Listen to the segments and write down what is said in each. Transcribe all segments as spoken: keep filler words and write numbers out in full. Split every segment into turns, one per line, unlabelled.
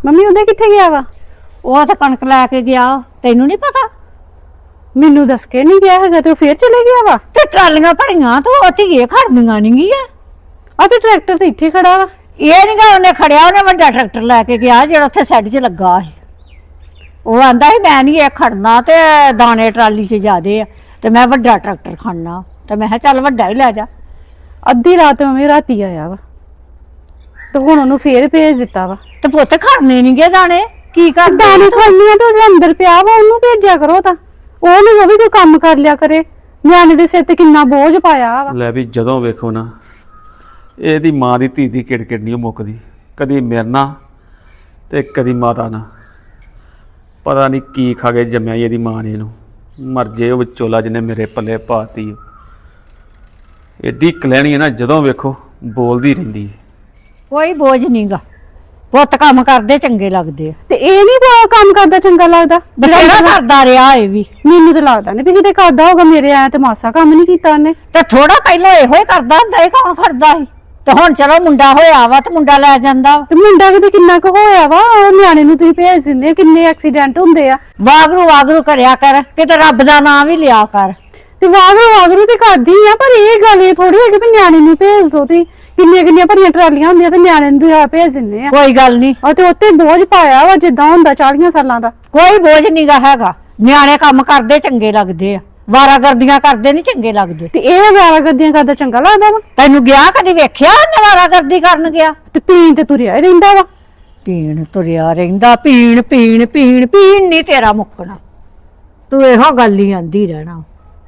Mummy ਉਹਦੇ ਕਿੱਥੇ ਗਿਆ ਵਾ?
ਉਹ ਤਾਂ ਕਣਕ ਲੈ ਕੇ ਗਿਆ। ਤੈਨੂੰ ਨਹੀਂ ਪਤਾ?
ਮੈਨੂੰ ਦੱਸ ਕੇ ਨਹੀਂ ਗਿਆ ਹੈਗਾ ਤੇ ਉਹ ਫੇਰ ਚਲੇ ਗਿਆ ਵਾ।
ਤੇ ਟਰਾਲੀਆਂ ਭਰੀਆਂ ਤੂੰ ਉੱਥੇ ਗਏ ਖੜਦੀਆਂ ਨਹੀਂ ਗੀਆਂ।
ਆ ਤੇ ਟਰੈਕਟਰ ਤੇ ਇੱਥੇ ਖੜਾ ਵਾ।
ਇਹ ਨਹੀਂ ਗਾ ਉਹਨੇ ਖੜਿਆ, ਉਹਨੇ ਵੱਡਾ ਟਰੈਕਟਰ ਲੈ ਕੇ ਗਿਆ ਜਿਹੜਾ ਉੱਥੇ ਸਾਈਡ 'ਚ ਲੱਗਾ ਸੀ। ਉਹ ਆਂਦਾ ਸੀ ਮੈਂ ਨਹੀਂ ਇਹ ਖੜਨਾ ਤੇ ਦਾਣੇ ਟਰਾਲੀ 'ਚ ਜ਼ਿਆਦੇ ਆ ਤੇ ਮੈਂ ਵੱਡਾ ਟਰੈਕਟਰ ਖੜਨਾ ਤੇ ਮੈਂ ਕਿਹਾ ਚੱਲ ਵੱਡਾ ਹੀ ਲੈ ਜਾ।
ਅੱਧੀ ਰਾਤ ਮੰਮੀ ਰਾਤੀ ਆਇਆ ਵਾ ਤੇ ਹੁਣ ਉਹਨੂੰ ਫੇਰ ਭੇਜ ਦਿੱਤਾ ਵਾ।
ਤੇ ਪੁੱਤ ਖੜਨੇ ਨਹੀਂ ਗਏ ਦਾਣੇ, ਕੀ ਕਰ
ਦਾਣੇ ਖੜਨੀਆਂ ਤੇ ਉਹਦੇ ਅੰਦਰ ਪਿਆ ਵਾ, ਉਹਨੂੰ ਭੇਜਿਆ ਕਰੋ ਤਾਂ ਉਹ ਨਹੀਂ ਉਹ ਵੀ ਕੋਈ ਕੰਮ ਕਰ ਲਿਆ ਕਰੇ। ਨਿਆਣੇ ਦੇ ਸਿਰ ਤੇ ਕਿੰਨਾ ਬੋਝ ਪਾਇਆ ਵਾ।
ਲੈ ਵੀ ਜਦੋਂ ਵੇਖੋ ਨਾ ਇਹਦੀ ਮਾਂ ਦੀ ਧੀ ਦੀ ਕਿੜ ਕਿੜ ਨਹੀਂ ਮੁੱਕਦੀ, ਕਦੀ ਮੇਰੇ ਨਾਲ ਤੇ ਕਦੀ ਮਾਤਾ ਨਾਲ। ਪਤਾ ਨਹੀਂ ਕੀ ਖਾ ਕੇ ਜੰਮਿਆ ਇਹਦੀ ਮਾਂ ਨੇ ਇਹਨੂੰ। ਮਰ ਜੇ ਉਹ ਵਿਚੋਲਾ ਜਿਹਨੇ ਮੇਰੇ ਪੱਲੇ ਪਾਤੀ। ਏਡੀ ਕਲੈਣੀ ਹੈ ਨਾ, ਜਦੋਂ ਵੇਖੋ ਬੋਲਦੀ ਰਹਿੰਦੀ ਹੈ।
ਕੋਈ ਬੋਝ ਨਹੀਂਗਾ, ਪੁੱਤ ਕੰਮ ਕਰਦੇ ਚੰਗੇ ਲੱਗਦੇ ਆ।
ਤੇ ਇਹ ਨਹੀਂ ਕੰਮ ਕਰਦਾ ਚੰਗਾ ਲੱਗਦਾ?
ਬਥੇਰਾ ਕਰਦਾ ਰਿਹਾ ਇਹ ਵੀ।
ਮੈਨੂੰ ਤਾਂ ਲੱਗਦਾ ਨਹੀਂ ਵੀ ਕਿਤੇ ਕਰਦਾ ਹੋਗਾ, ਮੇਰੇ ਆਇਆ ਤੇ ਮਾਸਾ ਕੰਮ ਨਹੀਂ ਕੀਤਾ ਉਹਨੇ।
ਤੇ ਥੋੜਾ ਪਹਿਲਾਂ ਇਹੋ ਹੀ ਕਰਦਾ ਹੁੰਦਾ, ਇਹ ਕੌਣ ਖੜਦਾ ਸੀ? ਤੇ ਹੁਣ ਚਲੋ ਮੁੰਡਾ ਹੋਇਆ ਵਾ ਤੇ ਮੁੰਡਾ ਲੈ ਜਾਂਦਾ।
ਤੇ ਮੁੰਡਾ ਕਿਤੇ ਕਿੰਨਾ ਕੁ ਹੋਇਆ ਵਾ, ਉਹ ਨਿਆਣੇ ਨੂੰ ਤੁਸੀਂ ਭੇਜ ਦਿੰਦੇ ਆ, ਕਿੰਨੇ ਐਕਸੀਡੈਂਟ ਹੁੰਦੇ ਆ।
ਵਾਗਰੂ ਵਾਗਰੂ ਕਰਿਆ ਕਰ, ਕਿਤੇ ਰੱਬ ਦਾ ਨਾਮ ਵੀ ਲਿਆ ਕਰ।
ਤੇ ਵਾਗਰੂ ਵਾਗਰੂ ਤੇ ਕਰਦੀ ਆ, ਪਰ ਇਹ ਗੱਲ ਇਹ ਥੋੜੀ ਹੈ ਕਿ ਨਿਆਣੇ ਨੂੰ ਭੇਜ ਦੋ। ਤੁਸੀਂ ਕਿੰਨੀਆਂ ਕਿੰਨੀਆਂ ਭਰੀਆਂ ਟਰਾਲੀਆਂ ਹੁੰਦੀਆਂ ਤੇ ਨਿਆਣੇ ਨੂੰ ਤੁਸੀਂ ਭੇਜ ਦਿੰਦੇ ਆ।
ਕੋਈ ਗੱਲ ਨਹੀਂ,
ਆ ਤੇ ਉੱਤੇ ਬੋਝ ਪਾਇਆ ਵਾ ਜਿੱਦਾਂ ਹੁੰਦਾ ਚਾਲੀਆਂ ਸਾਲਾਂ ਦਾ।
ਕੋਈ ਬੋਝ ਨਹੀਂਗਾ ਹੈਗਾ। ਨਿਆਣੇ ਕੰਮ ਕਰਦੇ ਚੰਗੇ ਲੱਗਦੇ ਆ, ਵਾਰਾਗਰਦੀਆਂ ਕਰਦੇ ਨਹੀਂ ਚੰਗੇ ਲੱਗਦੇ।
ਤੇ ਇਹ ਵਾਰਾਗਰਦੀਆਂ ਕਰਦਾ ਚੰਗਾ ਲੱਗਦਾ ਵਾ?
ਤੈਨੂੰ ਗਿਆ ਕਦੀ ਵੇਖਿਆ ਉਹਨੇ ਵਾਰਾਗਰਦੀ ਕਰਨ ਗਿਆ?
ਤੇ ਪੀਣ ਤੇ ਤੁਰਿਆ ਹੀ ਰਹਿੰਦਾ ਵਾ।
ਪੀਣ ਤੁਰਿਆ ਰਹਿੰਦਾ, ਪੀਣ ਪੀਣ ਪੀਣ ਪੀਣ ਨਹੀਂ ਤੇਰਾ ਮੁੱਕਣਾ। ਤੂੰ ਇਹੋ ਗੱਲ ਹੀ ਆਂਦੀ ਰਹਿਣਾ।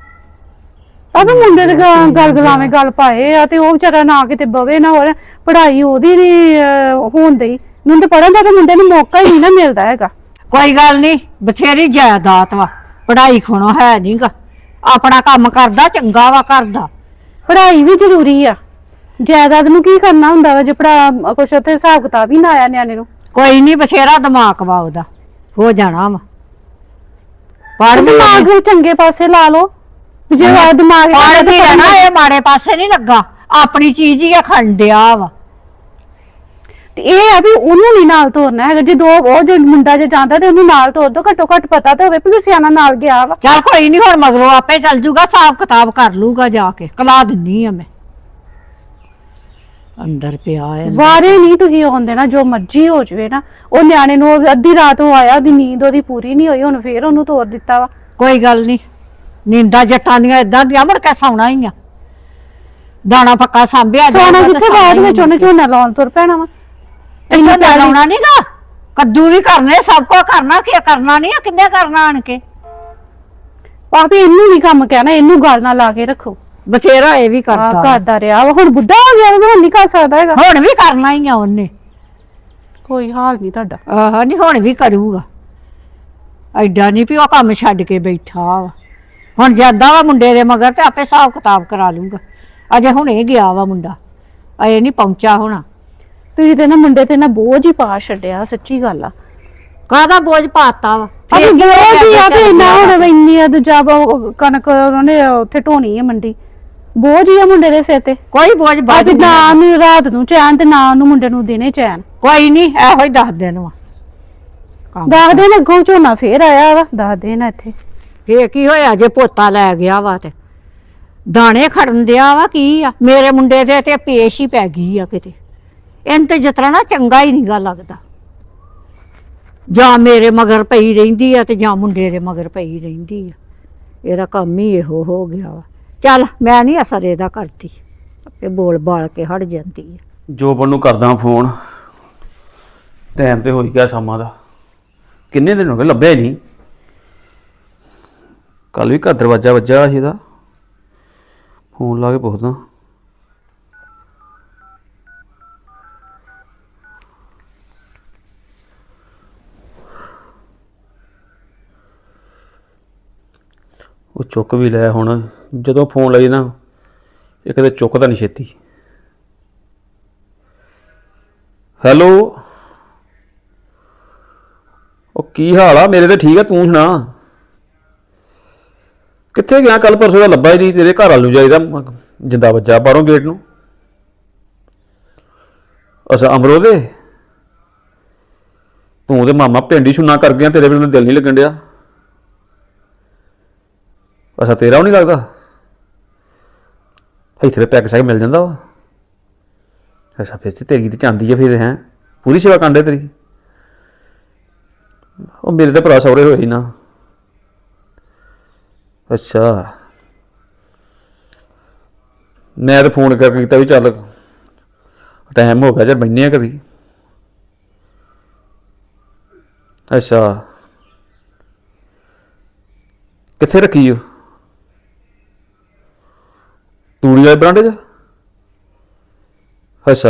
ਆਹ ਮੁੰਡੇ ਦੇ ਗੱਲ ਗਲਾਵੇਂ ਗੱਲ ਪਾਏ ਆ ਤੇ ਉਹ ਵਿਚਾਰਾ ਨਾ ਕਿਤੇ ਬਵੇ ਨਾ ਹੋਰ ਪੜ੍ਹਾਈ ਉਹਦੀ ਨੀ ਹੋਣ ਦਈ। ਮੈਨੂੰ ਤਾਂ ਪੜ੍ਹਨ ਦਾ ਤਾਂ ਮੁੰਡੇ ਨੂੰ ਮੌਕਾ ਹੀ ਨਹੀਂ ਨਾ ਮਿਲਦਾ ਹੈਗਾ।
ਕੋਈ ਗੱਲ ਨਹੀਂ, ਬਥੇਰੀ ਜਾਇਦਾਦ ਵਾ, ਪੜ੍ਹਾਈ ਖੋਣੋ ਹੈ ਨਹੀਂਗਾ। ਆਪਣਾ ਕੰਮ ਕਰਦਾ ਚੰਗਾ ਵਾ ਕਰਦਾ।
ਪੜ੍ਹਾਈ ਵੀ ਜ਼ਰੂਰੀ ਆ, ਜਾਇਦਾਦ ਨੂੰ ਕੀ ਕਰਨਾ ਹੁੰਦਾ ਵਾ ਜੇ ਪੜਾ ਕੁਛ ਉੱਥੇ ਹਿਸਾਬ ਕਿਤਾਬ ਹੀ ਨਾ ਆਇਆ ਨਿਆਣੇ ਨੂੰ।
ਕੋਈ ਨਹੀਂ, ਬਥੇਰਾ ਦਿਮਾਗ ਵਾ ਉਹਦਾ, ਹੋ ਜਾਣਾ ਵਾ। ਪੜ੍ਹ
ਦਿਮਾਗ ਚੰਗੇ ਪਾਸੇ ਲਾ ਲਓ। ਜੇ ਦਿਮਾਗ
ਪੜ੍ਹਦੀ ਰਹਿਣਾ, ਇਹ ਮਾੜੇ ਪਾਸੇ ਨਹੀਂ ਲੱਗਾ, ਆਪਣੀ ਚੀਜ਼ ਹੀ ਖੰਡਿਆ ਵਾ।
ਤੇ ਇਹ ਆ ਵੀ ਉਹਨੂੰ ਨਹੀਂ ਨਾਲ ਤੋਰਨਾ ਹੈਗਾ। ਜੇ ਦੋ ਉਹ ਜੋ ਮੁੰਡਾ ਜੇ ਜਾਂਦਾ ਤੇ ਉਹਨੂੰ ਨਾਲ ਤੋਰ ਦੋ, ਘੱਟੋ ਘੱਟ ਪਤਾ ਤਾਂ ਹੋਵੇ ਵੀ ਸਿਆਣਾ ਨਾਲ ਗਿਆ ਵਾ।
ਚੱਲ ਕੋਈ ਨਹੀਂ, ਹੁਣ ਮਗਰੋਂ ਆਪੇ ਚੱਲ ਜੂਗਾ, ਹਿਸਾਬ ਕਿਤਾਬ ਕਰ ਲੂਗਾ ਜਾ ਕੇ। ਕਲਾ ਦਿੰਨੀ ਆ ਮੈਂ ਅੰਦਰ ਪਿਆ ਹੈ।
ਵਾਰੇ ਨਹੀਂ ਤੁਸੀਂ ਆਉਣ ਦੇਣਾ, ਜੋ ਮਰਜ਼ੀ ਹੋ ਜਵੇ ਨਾ। ਉਹ ਨਿਆਣੇ ਨੂੰ ਅੱਧੀ ਰਾਤ ਉਹ ਆਇਆ, ਉਹਦੀ ਨੀਂਦ ਉਹਦੀ ਪੂਰੀ ਨਹੀਂ ਹੋਈ, ਹੁਣ ਫੇਰ ਉਹਨੂੰ ਤੋਰ ਦਿੱਤਾ ਵਾ।
ਕੋਈ ਗੱਲ ਨਹੀਂ, ਨੀਂਦਾਂ ਜੱਟਾਂ ਦੀਆਂ ਏਦਾਂ ਦੀਆਂ, ਮੁੜ ਕੇ ਸੌਣਾ ਹੀ ਆ। ਦਾਣਾ ਪੱਕਾ ਸਾਂਭਿਆ
ਸੋਣਾ ਕਿੱਥੇ, ਬਾਅਦ ਵਿੱਚ ਉਹਨੇ ਝੋਨਾ ਲਾਉਣ ਤੁਰ ਪੈਣਾ ਵਾ।
ਇੰਨਾ ਲਾਉਣਾ ਨੀਗਾ, ਕੱਦੂ ਵੀ ਕਰਨੇ, ਸਭ ਕੁਝ ਕਰਨਾ। ਕੀ ਕਰਨਾ ਨਹੀਂ ਆ, ਕਿੰਨੇ ਕਰਨਾ ਆਣ ਕੇ।
ਭਾਵੇਂ ਇਹਨੂੰ ਨਹੀਂ ਕੰਮ ਕਹਿਣਾ, ਇਹਨੂੰ ਗੱਲ ਨਾਲ ਲਾ ਕੇ ਰੱਖੋ।
ਬਥੇਰਾ ਇਹ ਵੀ ਕਰਦਾ
ਕਰਦਾ ਰਿਹਾ ਵਾ, ਹੁਣ ਬੁੱਢਾ ਹੋ ਗਿਆ, ਹੁਣ ਨਹੀਂ ਕਰ ਸਕਦਾ ਹੈਗਾ।
ਹੁਣ ਵੀ ਕਰਨਾ ਹੀ ਆ ਉਹਨੇ।
ਕੋਈ ਹਾਲ ਨਹੀਂ ਤੁਹਾਡਾ।
ਆਹ ਨਹੀਂ, ਹੁਣ ਵੀ ਕਰੂਗਾ। ਐਡਾ ਨਹੀਂ ਵੀ ਉਹ ਕੰਮ ਛੱਡ ਕੇ ਬੈਠਾ ਵਾ। ਹੁਣ ਜਾਂਦਾ ਵਾ ਮੁੰਡੇ ਦੇ ਮਗਰ ਤੇ ਆਪੇ ਹਿਸਾਬ ਕਿਤਾਬ ਕਰਾ ਲੂਗਾ। ਅਜੇ ਹੁਣੇ ਗਿਆ ਵਾ ਮੁੰਡਾ, ਅਜੇ ਨਹੀਂ ਪਹੁੰਚਾ ਹੋਣਾ।
ਤੁਸੀਂ ਤੇ ਨਾ ਮੁੰਡੇ ਤੇ ਨਾ ਬੋਝ ਹੀ ਪਾ ਛੱਡਿਆ, ਸੱਚੀ ਗੱਲ ਆ।
ਕਾਹਦਾ ਬੋਝ ਪਾਤਾ ਵਾ?
ਅਰੇ ਬੋਝ ਹੀ ਆ ਤੇ ਇੰਨਾ ਹੁਣ ਇੰਨੀ ਆ ਦੂਜਾ ਕਣਕ ਉਹਨੇ ਉੱਥੇ ਢੋਣੀ ਹੈ ਮੰਡੀ, ਬੋਝ ਹੀ ਆ ਮੁੰਡੇ ਦੇ ਸਿਰ ਤੇ।
ਕੋਈ ਬੋਝ ਬਾਜ
ਨਾ ਨੂੰ ਰਾਤ ਨੂੰ ਚੈਨ ਤੇ ਨਾ ਉਹਨੂੰ ਮੁੰਡੇ ਨੂੰ ਦਿਨੇ ਚੈਨ।
ਕੋਈ ਨਹੀਂ, ਇਹੋ ਹੀ ਦੱਸ ਦਿਨ ਵਾ।
ਦੱਸ ਦਿਨ ਅੱਗੋਂ ਝੋਨਾ ਫੇਰ ਆਇਆ ਵਾ, ਦੱਸ ਦਿਨ ਇੱਥੇ
ਫੇਰ ਕੀ ਹੋਇਆ ਜੇ ਪੋਤਾ ਲੈ ਗਿਆ ਵਾ ਤੇ ਦਾਣੇ ਖੜਨ ਦਿਆ ਵਾ। ਕੀ ਆ ਮੇਰੇ ਮੁੰਡੇ ਦੇ ਤੇ ਪੇਸ਼ ਹੀ ਪੈ ਗਈ ਆ ਕਿਤੇ। ਇਹਨ ਤੇ ਜਿਤਨਾ ਨਾ ਚੰਗਾ ਹੀ ਨੀਗਾ ਲੱਗਦਾ। ਜਾਂ ਮੇਰੇ ਮਗਰ ਪਈ ਰਹਿੰਦੀ ਆ ਤੇ ਜਾਂ ਮੁੰਡੇ ਦੇ ਮਗਰ ਪਈ ਰਹਿੰਦੀ ਆ। ਇਹਦਾ ਕੰਮ ਹੀ ਇਹੋ ਹੋ ਗਿਆ ਵਾ। ਚੱਲ ਮੈਂ ਨਹੀਂ ਅਸਰ ਇਹਦਾ ਕਰਦੀ, ਆਪੇ ਬੋਲ ਬਾਲ ਕੇ ਹਟ ਜਾਂਦੀ ਆ।
ਜੋਬਨ ਨੂੰ ਕਰਦਾ ਫੋਨ, ਟਾਈਮ ਤੇ ਹੋਈ ਗਿਆ ਸ਼ਾਮਾਂ ਦਾ। ਕਿੰਨੇ ਦਿਨ ਹੋ ਗਏ ਲੱਭਿਆ ਹੀ ਨਹੀਂ। ਕੱਲ ਵੀ ਘਰ ਦਰਵਾਜ਼ਾ ਵੱਜਾ ਸੀ ਇਹਦਾ, ਫੋਨ ਲਾ ਕੇ ਪੁੱਛਦਾ। ਉਹ ਚੁੱਕ ਵੀ ਲਿਆ। ਹੁਣ ਜਦੋਂ ਫੋਨ ਲਾਈ ਨਾ, ਇਹ ਕਦੇ ਚੁੱਕਦਾ ਨਹੀਂ ਛੇਤੀ। ਹੈਲੋ, ਉਹ ਕੀ ਹਾਲ ਆ? ਮੇਰੇ ਤੇ ਠੀਕ ਆ, ਤੂੰ ਸੁਣਾ? ਕਿੱਥੇ ਗਿਆ? ਕੱਲ ਪਰਸੋਂ ਦਾ ਲੱਭਾ ਹੀ ਨਹੀਂ। ਤੇਰੇ ਘਰ ਵੱਲ ਨੂੰ ਜਾਈਦਾ, ਜਿੰਦਾ ਵੱਜਾ ਬਾਹਰੋਂ ਗੇਟ ਨੂੰ। ਅੱਛਾ, ਅਮਰੋ ਦੇ। ਤੂੰ ਤੇ ਮਾਮਾ ਪਿੰਡ ਹੀ ਸੁਣਨਾ ਕਰ ਗਿਆ, ਤੇਰੇ ਬਿਨਾਂ ਦਿਲ ਨਹੀਂ ਲੱਗਣ ਡਿਆ। ਅੱਛਾ ਤੇਰਾ ਉਹ ਨਹੀਂ ਲੱਗਦਾ? ਇੱਥੇ ਪੈਕ ਸ਼ੈਕ ਮਿਲ ਜਾਂਦਾ ਵਾ? ਅੱਛਾ ਫਿਰ ਤੇ ਤੇਰੀ ਤੇ ਚਾਂਦੀ ਆ ਫਿਰ, ਹੈਂ ਪੂਰੀ ਸੇਵਾ ਕਰਨ ਡੇ ਤੇਰੀ। ਉਹ ਮੇਰੇ ਤਾਂ ਭਰਾ ਸਹੁਰੇ ਹੋਏ ਸੀ ਨਾ। ਅੱਛਾ ਮੈਂ ਤਾਂ ਫੋਨ ਕਰਕੇ ਕੀਤਾ ਵੀ ਚੱਲ ਟਾਈਮ ਹੋ ਗਿਆ ਜੇ ਬੈਠੇ ਆ ਕਦੀ। ਅੱਛਾ ਕਿੱਥੇ ਰੱਖੀ ਉਹ ਤੂੜੀ ਵਾਲੇ ਬਰਾਂਡੇ 'ਚ? ਅੱਛਾ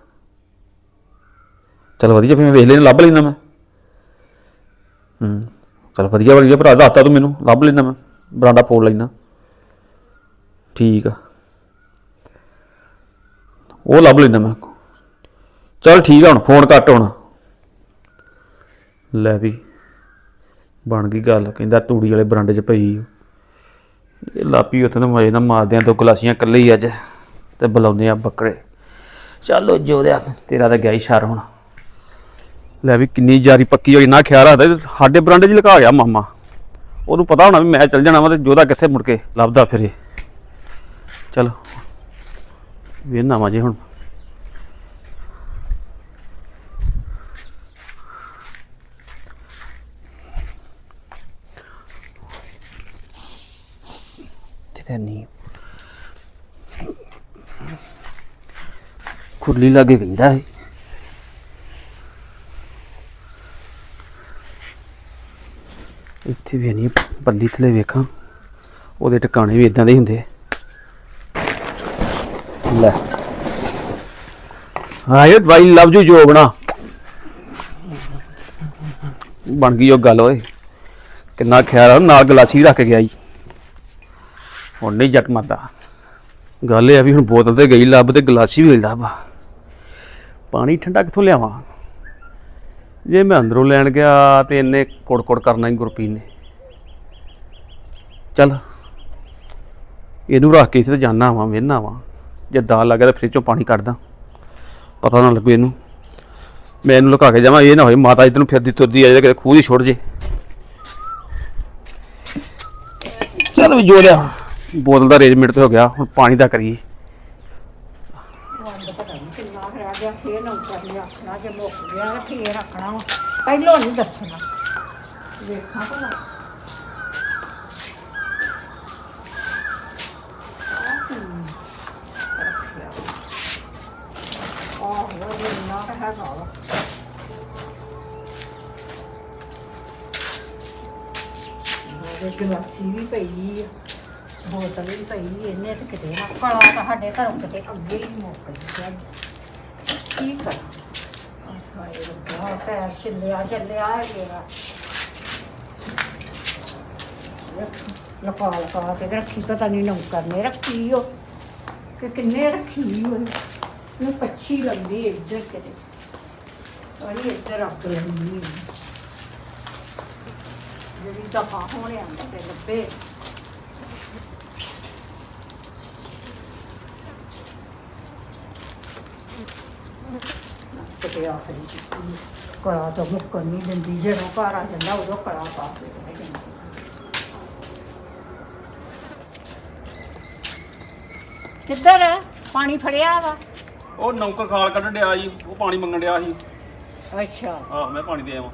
ਚਲ ਵਧੀਆ, ਫਿਰ ਮੈਂ ਵੇਖ ਲੈਣਾ, ਲੱਭ ਲੈਣਾ ਮੈਂ। ਹੂੰ ਚਲ ਵਧੀਆ ਵਧੀਆ ਭਰਾ, ਦੱਸਤਾ ਤੂੰ ਮੈਨੂੰ, ਲੱਭ ਲੈਣਾ ਮੈਂ, ਬਰਾਂਡਾ ਫੋੜ ਲੈਣਾ। ਠੀਕ ਆ ਉਹ ਲੱਭ ਲੈਣਾ ਮੈਂ। ਚੱਲ ਠੀਕ ਆ, ਹੁਣ ਫੋਨ ਕੱਟ ਹੁਣ। ਲੈ ਵੀ ਬਣ ਗਈ ਗੱਲ, ਕਹਿੰਦਾ ਤੂੜੀ ਵਾਲੇ ਬਰਾਂਡੇ 'ਚ ਪਈ। ਇਹ ਲਾਪੀ ਉੱਥੇ ਨੂੰ ਮਜੇ ਨਾਲ ਮਾਰਦੇ ਆ, ਦੋ ਗਲਾਸੀਆਂ ਇਕੱਲੇ ਹੀ ਅੱਜ, ਤੇ ਬੁਲਾਉਂਦੇ ਆ ਬੱਕਰੇ। ਚੱਲ ਜੋਦਿਆ ਤੇਰਾ ਤਾਂ ਗਿਆ ਹੀ ਸ਼ਰ ਹੁਣ। ਲੈ ਵੀ ਕਿੰਨੀ ਜਾਰੀ ਪੱਕੀ ਹੋਈ, ਨਾ ਖਿਆਲ ਰੱਖਦਾ ਸਾਡੇ ਬਰਾਂਡੇ 'ਚ ਲੁਕਾ ਗਿਆ ਮਾਮਾ। ਉਹਨੂੰ ਪਤਾ ਹੋਣਾ ਵੀ ਮੈਂ ਚੱਲ ਜਾਣਾ ਵਾ, ਤੇ ਜੋਦਾ ਕਿੱਥੇ ਮੁੜ ਕੇ ਲੱਭਦਾ ਫਿਰੇ। ਚਲ ਵੇਖਣਾ ਵਾ ਜੇ ਹੁਣ। ਨਹੀਂ ਖੁਰਲੀ ਲਾਗੇ ਕਹਿੰਦਾ ਹੈ। ਇੱਥੇ ਵੀ ਨਹੀਂ, ਪੱਲੀ ਥਲੇ ਵੇਖਾਂ, ਉਹਦੇ ਟਿਕਾਣੇ ਵੀ ਇਦਾਂ ਦੇ ਹੁੰਦੇ। ਲੈ ਆਏ ਬਾਈ, ਲਵ ਯੂ ਜੋ ਬਣਾ ਬਣ ਗਈ ਉਹ ਗੱਲ। ਓਏ ਕਿੰਨਾ ਖਿਆਲ ਆ, ਨਾਲ ਗਲਾਸੀ ਰੱਖ ਕੇ ਗਿਆ ਜੀ। ਹੁਣ ਨਹੀਂ ਜੱਟ ਮਾਰਦਾ। ਗੱਲ ਇਹ ਆ ਵੀ ਹੁਣ ਬੋਤਲ ਤੇ ਗਈ ਲੱਭ, ਤੇ ਗਲਾਸੀ ਵੀ ਲੱਭ। ਪਾਣੀ ਠੰਡਾ ਕਿੱਥੋਂ ਲਿਆਵਾਂ? ਜੇ ਮੈਂ ਅੰਦਰੋਂ ਲੈਣ ਗਿਆ ਤੇ ਇਹਨੇ ਕੁੜ ਕੁੜ ਕਰਨਾ ਹੀ ਗੁਰਪੀਨ ਨੇ। ਚੱਲ ਇਹਨੂੰ ਰੱਖ ਕੇ ਇੱਥੇ ਤੇ ਜਾਣਾ ਵਾ, ਵੇਹਨਾ ਵਾ, ਜੇ ਦਾਲ ਲੱਗ ਗਿਆ ਤਾਂ ਫਰਿੱਜ ਚੋਂ ਪਾਣੀ ਕੱਢਦਾ, ਪਤਾ ਨਾ ਲੱਗੂ ਇਹਨੂੰ। ਮੈਂ ਇਹਨੂੰ ਲੁਕਾ ਕੇ ਜਾਵਾਂ, ਇਹ ਨਾ ਹੋਏ ਮਾਤਾ ਇੱਧਰ ਨੂੰ ਫਿਰਦੀ ਤੁਰਦੀ ਆ ਜਾਏ, ਕਿਤੇ ਖੂਹ ਦੀ ਛੁੱਟ ਜੇ। ਚੱਲ ਵੀ ਜੋ ਲਿਆ, ਬੋਤਲ ਦਾ ਅਰੇਂਜਮੈਂਟ ਤੇ ਹੋ ਗਿਆ, ਹੁਣ ਪਾਣੀ ਦਾ ਕਰੀਏ।
ਕਿੰਨਾ ਰਹਿ ਗਿਆ, ਫੇਰ ਨੌਕਰ ਨੇ ਆਖਣਾ, ਜੇ ਮੁੱਕ ਗਿਆ ਤਾਂ ਫੇਰ ਆਖਣਾ ਵਾ, ਪਹਿਲੋਂ ਨਹੀਂ ਦੱਸਣਾ। ਵੇਖਾਂ ਭਲਾ ਆਹੋ ਇੰਨਾ ਤਾਂ ਹੈਗਾ ਵਾ। ਗਲਾਸੀ ਵੀ ਪਈ ਆ, ਬੋਤਲ ਵੀ ਪਈ, ਇਹਨੇ ਤੇ ਕਿਤੇ ਨਾ ਕਲਾ ਤਾਂ ਸਾਡੇ ਘਰੋਂ ਕਿਤੇ ਅੱਗੇ ਹੀ ਮੁੱਕ ਗਿਆ। ਕੀ ਕਰਾਂ? ਹਾਏ ਰੱਬਾ, ਪੈਰ ਛਿੱਲਿਆ ਚੱਲਿਆ ਹੈਗਾ। ਲਪਾ ਲਪਾ ਕੇ ਰੱਖੀ, ਪਤਾ ਨਹੀਂ ਨੌਕਰ ਨੇ ਰੱਖੀ ਉਹ ਕਿ ਕਿੰਨੇ ਰੱਖੀ ਹੋਈ। ਨੂੰ ਪੱਛੀ ਲੰਦੀ ਇੱਧਰ ਕਿਤੇ, ਅਰੇ ਇੱਧਰ ਰੱਖ ਲੈਂਦੀ ਜਿਹੜੀ ਦਫਾ ਹੋਣੇ ਆਂਦਾ ਤੇ ਲੱਭੇ। ਕਿਤੇ ਆਖਰੀ ਕੜਾ ਤਾਂ ਮੁੱਕਣ ਨਹੀਂ ਦਿੰਦੀ, ਜਦੋਂ ਘਰ ਆ ਜਾਂਦਾ ਉਦੋਂ ਕੜਾ ਪਾ ਕੇ ਕਿੱਧਰ ਪਾਣੀ ਫੜਿਆ ਵਾ?
ਉਹ ਨੌਕਰ ਖਾਲ ਕੱਢਣ ਡਿਆ ਜੀ, ਉਹ ਪਾਣੀ ਮੰਗਣ ਡਿਆ ਸੀ।
ਅੱਛਾ
ਆਹ ਮੈਂ ਪਾਣੀ ਦੇ ਆਵਾਂ।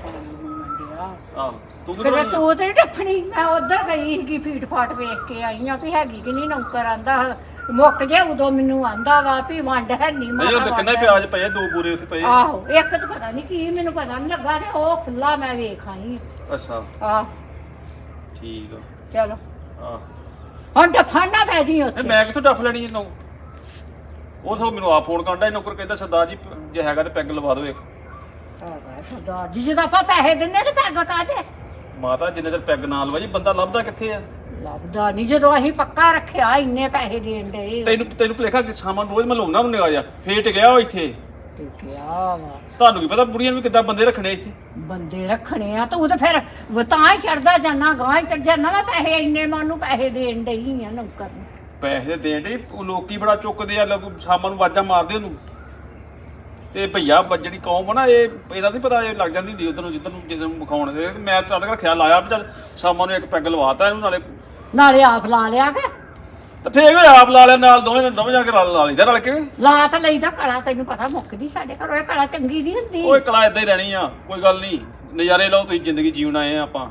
ਆਹ ਤੂੰ
ਕਿਤੇ ਤੂੰ ਤੇ ਨੀ ਟੱਪਣੀ। ਮੈਂ ਉਧਰ ਗਈ ਸੀਗੀ, ਫੀਟ ਫਾਟ ਵੇਖ ਕੇ ਆਈ ਆ ਵੀ ਹੈਗੀ ਕਿ ਨਹੀਂ। ਨੌਕਰ ਆਂਦਾ ਮੁੱਕ ਜੇ, ਉਦੋਂ ਮੈਨੂੰ ਆਂਦਾ ਵਾ ਵੀ ਵੰਡ ਹੈ ਨਹੀਂ।
ਮੈਂ ਕਿੰਨੇ ਪਿਆਜ਼ ਪਏ, ਦੋ ਬੂਰੇ ਉੱਥੇ ਪਏ।
ਆਹੋ ਇੱਕ ਤਾਂ ਪਤਾ ਨਹੀਂ ਕੀ, ਮੈਨੂੰ ਪਤਾ ਨਹੀਂ ਲੱਗਾ, ਤੇ ਉਹ ਖੁੱਲਾ ਮੈਂ ਵੇਖ ਆਈ।
ਅੱਛਾ
ਆਹ
ਠੀਕ ਆ,
ਚਲੋ
ਆਹ
ਹੁਣ ਡਫਾਣਾ ਪੈ ਜੀ ਉੱਥੇ।
ਮੈਂ ਕਿੱਥੋਂ ਡੱਫ ਲੈਣੀ ਇਹਨੂੰ? ਉਹ ਸੋ ਮੈਨੂੰ ਆ ਫੋਨ ਕਰਦਾ, ਨੌਕਰ ਕਹਿੰਦਾ ਸਰਦਾਰ ਜੀ ਜੇ ਹੈਗਾ ਤੇ ਪੈਗ ਲਵਾ ਦਿਓ ਇੱਕ।
ਹੈਗਾ ਸਰਦਾਰ ਜੀ, ਜਦੋਂ ਆਪਾਂ ਪੈਸੇ ਦਿੰਨੇ ਤੇ ਪੈਗ ਕਾਹਦੇ?
ਮਾਤਾ ਜਿੰਨੇ ਚਿਰ ਪੈਗ ਨਾ ਲਵਾ ਜੀ, ਬੰਦਾ ਲੱਭਦਾ ਕਿੱਥੇ ਆ?
ਲੱਭਦਾ ਨਹੀਂ, ਜਦੋਂ ਅਸੀਂ ਪੱਕਾ ਰੱਖਿਆ ਇੰਨੇ ਪੈਸੇ ਦੇਣ ਦੇ।
ਤੈਨੂੰ ਤੈਨੂੰ ਭੁਲੇਖਾ ਕਿ ਸਾਮਾਨ ਰੋਜ਼ ਮੈਂ ਲਾਉਣਾ ਉਹਨੇ ਆ ਜਾ, ਫੇਰ ਟਿਕਿਆ ਉਹ ਇੱਥੇ।
ਟਿਕਿਆ ਵਾ,
ਤੁਹਾਨੂੰ ਕੀ ਪਤਾ ਬੁੜੀਆਂ ਨੂੰ ਕਿੱਦਾਂ ਬੰਦੇ ਰੱਖਣੇ ਇੱਥੇ।
ਬੰਦੇ ਰੱਖਣੇ ਆ ਤੂੰ ਤਾਂ ਫਿਰ ਤਾਂ ਹੀ ਚੜਦਾ ਜਾਨਾ, ਗਾਂ ਹੀ ਚੜ ਜਾਨਾ। ਮੈਂ ਪੈਸੇ ਇੰਨੇ ਮਾਨੂੰ ਪੈਸੇ ਦੇਣ ਡਈ ਆ ਨੌਕਰ ਨੂੰ।
ਪੈਸੇ ਦੇਣ ਦੇ ਲੋਕੀ ਬੜਾ ਚੁੱਕਦੇ ਆ, ਲੋਕ ਸ਼ਾਮਾਂ ਨੂੰ ਆਵਾਜ਼ਾਂ ਮਾਰਦੇ ਉਹਨੂੰ। ਤੇ ਭਈਆ ਬ- ਜਿਹੜੀ ਕੌਮ ਆ ਨਾ ਇਹ ਇਹਦਾ ਨਹੀਂ ਪਤਾ ਇਹ ਲੱਗ ਜਾਂਦੀ ਹੁੰਦੀ ਉਧਰ ਨੂੰ ਜਿੱਧਰ ਨੂੰ ਜਿੱਧਰ ਨੂੰ ਵਿਖਾਉਣ ਦੇ ਮੈਂ ਤਾਂ ਤੱਕ ਖਿਆਲ ਆਇਆ ਵੀ ਚੱਲ ਸ਼ਾਮਾਂ ਨੂੰ ਇੱਕ ਪੈਗ ਲਵਾਤਾ ਇਹਨੂੰ ਨਾਲੇ
ਨਾਲੇ ਆਪ ਲਾ ਲਿਆ ਕੇ
ਤੇ ਫੇਰ ਉਹ ਆਪ ਲਾ ਲਿਆ ਨਾਲ ਦੋਵੇਂ ਦੋਵੇਂ ਜਾ ਕੇ ਲਾ ਲਾ ਲਈਦਾ ਰਲ ਕੇ
ਲਾ ਤਾਂ ਲਈਦਾ ਕਲਾ ਤੈਨੂੰ ਪਤਾ ਮੁੱਕਦੀ ਸਾਡੇ ਘਰੋਂ ਇਹ ਕਲਾ ਚੰਗੀ ਨਹੀਂ ਹੁੰਦੀ
ਓਏ ਕਲਾ ਇਦਾਂ ਹੀ ਰਹਿਣੀ ਆ ਕੋਈ ਗੱਲ ਨਹੀਂ ਨਜ਼ਾਰੇ ਲਓ ਤੁਸੀਂ ਜ਼ਿੰਦਗੀ ਜੀਉਣ ਆਏ ਆ ਆਪਾਂ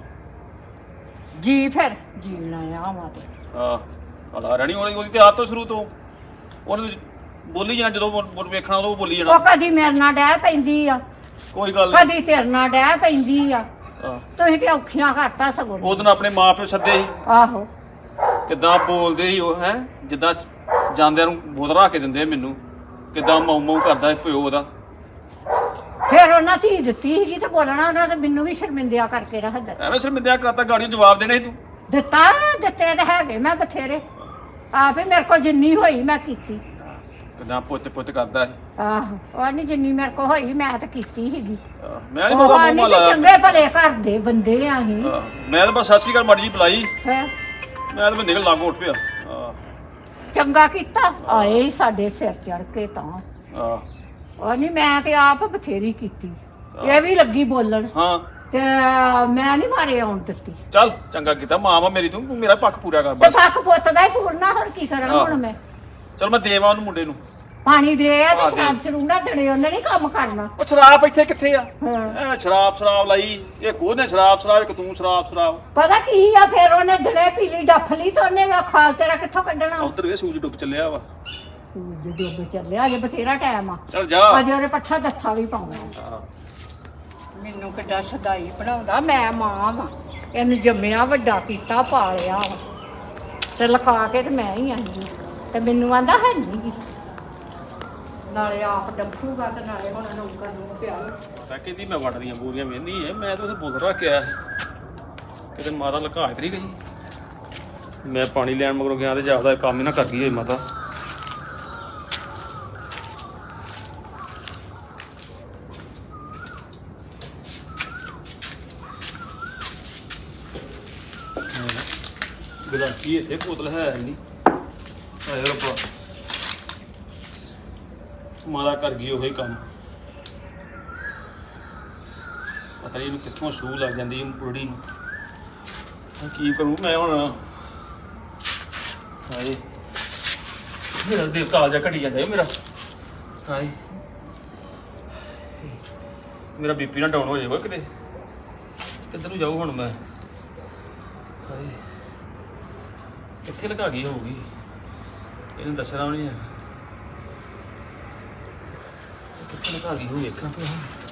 ਜੀ ਫਿਰ ਜੀਣਾ ਆ ਵਾ ਤੇ
ਹਾਂ ਕਲਾ ਰਹਿਣੀ ਉਹਦੀ ਉਹਦੀ ਤੇ ਆਦਤ ਤੋਂ ਸ਼ੁਰੂ ਤੋਂ ਉਹਨੇ ਬੋਲੀ ਜਾਣਾ ਜਦੋਂ ਬੋਲ- ਬੋਲ ਵੇਖਣਾ ਉਦੋਂ ਬੋਲੀ ਜਾਣਾ
ਉਹ ਕਦੀ ਮੇਰੇ ਨਾਲ ਡਹਿ ਪੈਂਦੀ ਆ
ਕੋਈ ਗੱਲ ਨਹੀਂ
ਕਦੀ ਤੇਰੇ ਨਾਲ ਡਹਿ ਪੈਂਦੀ ਆ
ਹਾਂ।
ਤੁਸੀਂ ਤੇ ਔਖੀਆਂ ਘਾਟਾ ਸਗੋਂ
ਉਹ ਦਿਨ ਆਪਣੇ ਮਾਂ ਪਿਓ ਸੱਦੇ ਸੀ
ਆਹੋ
ਕਿੱਦਾਂ ਬੋਲਦੇ ਸੀ ਉਹ ਹੈ ਜਿੱਦਾਂ ਜਾਂਦਿਆਂ ਨੂੰ ਬੋਤਲ ਰੱਖ ਕੇ ਦਿੰਦੇ ਆ ਮੈਨੂੰ ਕਿੱਦਾਂ ਮਾਊ ਮਾਊ ਕਰਦਾ ਸੀ ਪਿਓ ਉਹਦਾ
ਫਿਰ ਉਹਨਾਂ ਧੀ ਦਿੱਤੀ ਸੀਗੀ ਤੇ ਬੋਲਣਾ ਉਹਨਾਂ ਤੇ ਮੈਨੂੰ ਵੀ ਸ਼ਰਮਿੰਦਿਆ ਕਰਕੇ ਰੱਖਦਾ
ਐਵੇਂ ਸ਼ਰਮਿੰਦਿਆ ਕਰਤਾ ਗਾੜੀ ਜਵਾਬ ਦੇਣੇ ਸੀ ਤੂੰ
ਦਿੱਤਾ ਦਿੱਤੇ ਤੇ ਹੈਗੇ ਮੈਂ ਬਥੇਰੇ ਆਪੇ ਮੇਰੇ ਕੋਲ ਜਿੰਨੀ ਹੋਈ ਮੈਂ ਕੀਤੀ
ਕਿੱਦਾਂ ਪੁੱਤ ਪੁੱਤ ਕਰਦਾ ਸੀ
ਆਹੋ ਉਹ ਨਹੀਂ ਜਿੰਨੀ ਮੇਰੇ ਕੋਲ ਹੋਈ ਮੈਂ ਤਾਂ ਕੀਤੀ ਸੀਗੀ
ਆਹ, ਮੈਂ ਨਹੀਂ
ਉਹ
ਪਤਾ ਮੂੰਹ
ਨਹੀਂ
ਲਾਇਆ
ਚੰਗੇ ਭਲੇ ਘਰ ਦੇ ਬੰਦੇ ਆ ਅਸੀਂ
ਆਹ, ਮੈਂ ਤਾਂ ਬਸ ਸਤਿ ਸ਼੍ਰੀ ਅਕਾਲ ਮਾੜੀ ਜੀ ਬੁਲਾਈ
ਹੈਂ।
ਮੈਂ ਤਾਂ ਨਿਕਲ ਲਾਗੋ ਉੱਠ ਪਿਆ ਆਹ,
ਚੰਗਾ ਕੀਤਾ ਆਏ ਹੀ ਸਾਡੇ ਸਿਰ ਚੜ ਕੇ ਤਾਂ
ਆਹ,
ਉਹ ਨਹੀਂ ਮੈਂ ਤੇ ਆਪ ਬਥੇਰੀ ਕੀਤੀ ਇਹ ਵੀ ਲੱਗੀ ਬੋਲਣ
ਹਾਂ
ਤੇ ਮੈਂ ਨਹੀਂ ਮਾਰੇ ਆਉਣ ਦਿੱਤੀ
ਚੱਲ ਚੰਗਾ ਕੀਤਾ ਮਾਂ ਵਾ ਮੇਰੀ ਤੂੰ ਤੂੰ ਮੇਰਾ ਪੱਖ ਪੂਰਾ ਕਰ
ਤੇ
ਬਸ
ਫੱਕ ਪੁੱਤ ਦਾ ਹੀ ਪੂਰਨਾ ਹੋਰ ਕੀ ਕਰਾਂ
ਆਹ।
ਹੁਣ ਮੈਂ
ਚੱਲ ਮੈਂ ਦੇਵਾਂ ਉਹਨੂੰ ਮੁੰਡੇ ਨੂੰ
ਪਾਣੀ ਦੇ ਆ
ਆਹ
ਤੇ
ਦੇ।
ਸ਼ਰਾਬ ਚਰੂਣਾ ਦੇਣੇ ਉਹਨੇ ਨਹੀਂ ਕੰਮ ਕਰਨਾ
ਉਹ ਸ਼ਰਾਬ ਇੱਥੇ ਕਿੱਥੇ ਆ
ਹਾਂ
ਐ ਸ਼ਰਾਬ ਸ਼ਰਾਬ ਲਾਈ ਇਹ ਕੋਨੇ ਸ਼ਰਾਬ ਸ਼ਰਾਬ ਇੱਕ ਤੂੰ ਸ਼ਰਾਬ ਸ਼ਰਾਬ
ਪਤਾ ਕੀ ਆ ਫਿਰ ਉਹਨੇ ਦੜੇ ਪੀ ਲਈ ਡੱਫ ਲਈ ਤੇ ਉਹਨੇ ਵਾ ਖਾਲ ਤੇਰਾ ਕਿੱਥੋਂ ਕੱਢਣਾ
ਉਧਰ ਇਹ ਸੂਰਜ ਡੁੱਬ ਚੱਲਿਆ ਵਾ
ਸੂਰਜ ਡੁੱਬ ਚੱਲਿਆ ਅਜੇ ਬਥੇਰਾ ਟਾਈਮ ਆ
ਚੱਲ ਜਾ
ਅਜੇ ਉਹਨੇ ਪੱਠਾ ਦੱਥਾ ਵੀ ਪਾਉਣਾ
ਆਹ,
ਮੈਨੂੰ ਕਿੱਡਾ ਸਦਾਈ ਬਣਾਉਂਦਾ ਮੈਂ ਮਾਂ ਵਾਂ ਇਹਨੂੰ ਜੰਮਿਆ ਵੱਡਾ ਕੀਤਾ ਪਾਲਿਆ ਵਾ ਤੇ ਲਕਾ ਕੇ ਤੇ ਮੈਂ ਹੀ ਆਈ ਹਾਂ। ਤੇ ਮੈਨੂੰ ਆਂਦਾ ਹੈ ਨਹੀਂ ਨਾਲੇ ਆਪ ਡੰਫੂਗਾ ਤੇ ਨਾਲੇ ਹੁਣ ਨੌਕਰ ਨੂੰ ਪਿਆ
ਮੈਂ ਕਹਿੰਦੀ ਮੈਂ ਵੱਟ ਦੀਆਂ ਬੋਰੀਆਂ ਵੇਂਦੀ ਐ ਮੈਂ ਤਾਂ ਉੱਥੇ ਬੋਤਲ ਰੱਖ ਕੇ ਆਇਆ ਕਿਤੇ ਮਾਤਾ ਲੁਕਾ ਇਤਰੀ ਗਈ ਮੈਂ ਪਾਣੀ ਲੈਣ ਮਗਰੋਂ ਗਿਆ ਤੇ ਜਾਪਦਾ ਇਹ ਕੰਮ ਹੀ ਨਾ ਕਰ ਗਈ ਹੋਈ ਮਾਤਾ ਗਲਾਸੀ ਇੱਥੇ ਬੋਤਲ ਹੈ ਨਹੀਂ ਹਾਏ ਰੱਬਾ ਮਾਤਾ ਕਰ ਗਈ ਉਹੀ ਕੰਮ ਪਤਾ ਨਹੀਂ ਇਹਨੂੰ ਕਿੱਥੋਂ ਸੂਹ ਲੱਗ ਜਾਂਦੀ ਹੈ ਬੁੜੀ ਨੂੰ ਮੈਂ ਕੀ ਕਰੂੰ ਮੈਂ ਹੁਣ ਹਾਏ ਮੇਰਾ ਦਿਲ ਤਾਲ ਜਾ ਘਟੀ ਜਾਂਦਾ ਹੈ ਮੇਰਾ ਹਾਏ ਮੇਰਾ ਬੀਪੀ ਨਾ ਡਾਊਨ ਹੋ ਜਾਵੇ ਕਿਤੇ ਕਿੱਧਰ ਨੂੰ ਜਾਊ ਹੁਣ ਮੈਂ ਹਾਏ ਕਿੱਥੇ ਲਗਾ ਗਈ ਹੋਊਗੀ ਇਹਨੂੰ ਦੱਸਣਾ ਵੀ ਨਹੀਂ ਹੈ ਕਿੱਥੇ ਲਗਾ ਗਈ ਹੋ ਵੇਖਾਂ ਫਿਰ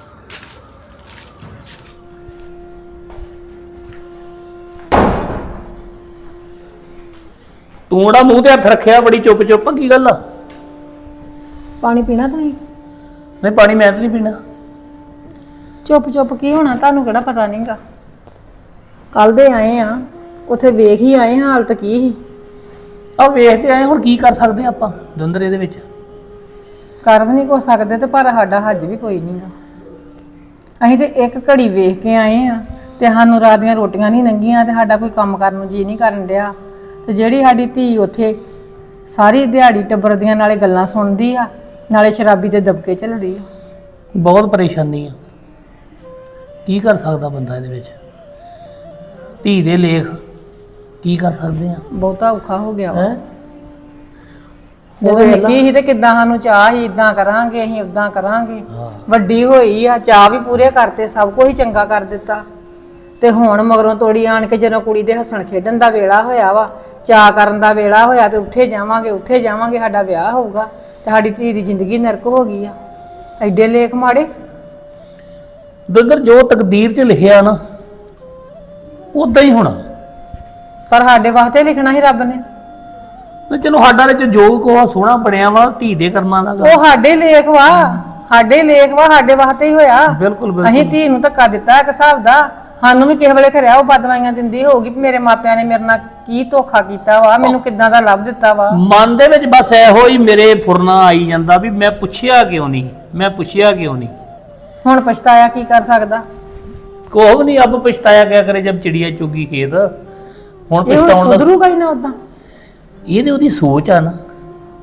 ਤੂੰ ਉਹਦਾ ਮੂੰਹ ਤੇ ਹੱਥ ਰੱਖਿਆ ਬੜੀ ਚੁੱਪ ਚੁੱਪ ਕੀ ਗੱਲ ਆ
ਪਾਣੀ ਪੀਣਾ ਤੁਸੀਂ
ਨਹੀਂ ਪਾਣੀ ਮੈਂ ਤਾਂ ਨਹੀਂ ਪੀਣਾ
ਚੁੱਪ ਚੁੱਪ ਕੀ ਹੋਣਾ ਤੁਹਾਨੂੰ ਕਿਹੜਾ ਪਤਾ ਨਹੀਂਗਾ ਕੱਲ ਦੇ ਆਏ ਆ ਉੱਥੇ ਵੇਖ ਹੀ ਆਏ ਹਾਂ ਹਾਲਤ ਕੀ ਸੀ
ਆ ਵੇਖਦੇ ਆਏ ਹੁਣ ਕੀ ਕਰ ਸਕਦੇ ਆ ਆਪਾਂ ਦੰਦਰ ਇਹਦੇ ਵਿੱਚ
ਕਰ ਵੀ ਨਹੀਂ ਕੋ ਸਕਦੇ ਤੇ ਪਰ ਸਾਡਾ ਹੱਜ ਵੀ ਕੋਈ ਨਹੀਂਗਾ ਅਸੀਂ ਤੇ ਇੱਕ ਘੜੀ ਵੇਖ ਕੇ ਆਏ ਆ ਤੇ ਸਾਨੂੰ ਰਾਤ ਦੀਆਂ ਰੋਟੀਆਂ ਨਹੀਂ ਲੰਘੀਆਂ ਤੇ ਸਾਡਾ ਕੋਈ ਕੰਮ ਕਰਨ ਨੂੰ ਜੀ ਨਹੀਂ ਕਰਨ ਡਿਆ ਤੇ ਜਿਹੜੀ ਸਾਡੀ ਧੀ ਉੱਥੇ ਸਾਰੀ ਦਿਹਾੜੀ ਟੱਬਰ ਦੀਆਂ ਨਾਲੇ ਗੱਲਾਂ ਸੁਣਦੀ ਆ ਨਾਲੇ ਸ਼ਰਾਬੀ ਦੇ ਦਬਕੇ ਝੱਲਦੀ ਆ
ਬਹੁਤ ਪਰੇਸ਼ਾਨੀ ਆ ਕੀ ਕਰ ਸਕਦਾ ਬੰਦਾ ਇਹਦੇ ਵਿੱਚ ਧੀ ਦੇ ਲੇਖ ਕੀ ਕਰ ਸਕਦੇ ਆ
ਬਹੁਤਾ ਔਖਾ ਹੋ ਗਿਆ ਵਾ
ਹੈ
ਜਦੋਂ ਨਿੱਕੀ ਸੀ ਤੇ ਕਿੱਦਾਂ ਸਾਨੂੰ ਚਾਹ ਸੀ ਇਦਾਂ ਕਰਾਂਗੇ ਅਸੀਂ ਉਦਾਂ ਕਰਾਂਗੇ
ਹਾਂ
ਵੱਡੀ ਹੋਈ ਆ ਚਾਹ ਵੀ ਪੂਰੇ ਕਰਤੇ ਸਭ ਕੁਝ ਹੀ ਚੰਗਾ ਕਰ ਦਿੱਤਾ ਤੇ ਹੁਣ ਮਗਰੋਂ ਤੋੜੀ ਆਣ ਕੇ ਜਦੋਂ ਕੁੜੀ ਦੇ ਹੱਸਣ ਖੇਡਣ ਦਾ ਵੇਲਾ ਹੋਇਆ ਵਾ ਚਾਹ ਕਰਨ ਦਾ ਵੇਲਾ ਹੋਇਆ ਤੇ ਉੱਥੇ ਜਾਵਾਂਗੇ ਉੱਥੇ ਜਾਵਾਂਗੇ ਸਾਡਾ ਵਿਆਹ ਹੋਊਗਾ ਤੇ ਸਾਡੀ ਧੀ ਦੀ ਜ਼ਿੰਦਗੀ ਨਰਕ ਹੋ ਗਈ ਆ ਐਡੇ ਲੇਖ ਮਾੜੇ
ਦੰਦਰ ਜੋ ਤਕਦੀਰ 'ਚ ਲਿਖਿਆ ਨਾ ਉਦਾਂ ਹੀ ਹੋਣਾ
ਪਰ ਸਾਡੇ ਵਾਸਤੇ ਲਿਖਣਾ ਸੀ ਰੱਬ ਨੇ
ਤੇ ਚਲੋ ਸਾਡਾ ਵਿੱਚ ਜੋ ਕੋਹਾ ਸੋਹਣਾ ਬਣਿਆ ਵਾ ਧੀ ਦੇ ਕਰਮਾਂ ਦਾ ਗਾ।
ਉਹ ਸਾਡੇ ਲੇਖ ਵਾ ਸਾਡੇ ਲੇਖ ਵਾ ਸਾਡੇ ਵਾਸਤੇ ਹੀ ਹੋਇਆ
ਬਿਲਕੁਲ
ਅਸੀਂ
ਬਿਲਕੁਲ
ਧੀ ਨੂੰ ਧੱਕਾ ਦਿੱਤਾ ਇੱਕ ਹਿਸਾਬ ਦਾ ਸਾਨੂੰ ਵੀ ਕਿਸੇ ਵੇਲੇ ਖਰਿਆ ਉਹ ਬਦਵਾਈਆਂ ਦਿੰਦੀ ਹੋਊਗੀ ਵੀ ਮੇਰੇ ਮਾਪਿਆਂ ਨੇ ਮੇਰੇ ਨਾਲ ਕੀ ਧੋਖਾ ਕੀਤਾ ਵਾ ਮੈਨੂੰ ਕਿੱਦਾਂ ਦਾ ਲੱਭ ਦਿੱਤਾ ਵਾ
ਮਨ ਦੇ ਵਿੱਚ ਬਸ ਇਹੋ ਹੀ ਮੇਰੇ ਫੁਰਨਾ ਆਈ ਜਾਂਦਾ ਵੀ ਮੈਂ ਪੁੱਛਿਆ ਕਿਉਂ ਨਹੀਂ ਮੈਂ ਪੁੱਛਿਆ ਕਿਉਂ ਨਹੀਂ
ਹੁਣ ਪਛਤਾਇਆ ਕੀ ਕਰ ਸਕਦਾ
ਕੋਹ ਨਹੀਂ ਅਬ ਪਛਤਾਇਆ ਕਿਆ ਕਰੇ ਜਬ ਚਿੜੀਆ ਚੁਗੀ ਖੇਤ ਹੁਣ
ਇਹ ਹੁਣ
ਪਛਤਾਉਣ ਦਾ
ਸੁਧਰੂਗਾ ਹੀ ਨਾ ਉਦਾਂ
ਇਹ ਤੇ ਉਹਦੀ ਸੋਚ ਆ ਨਾ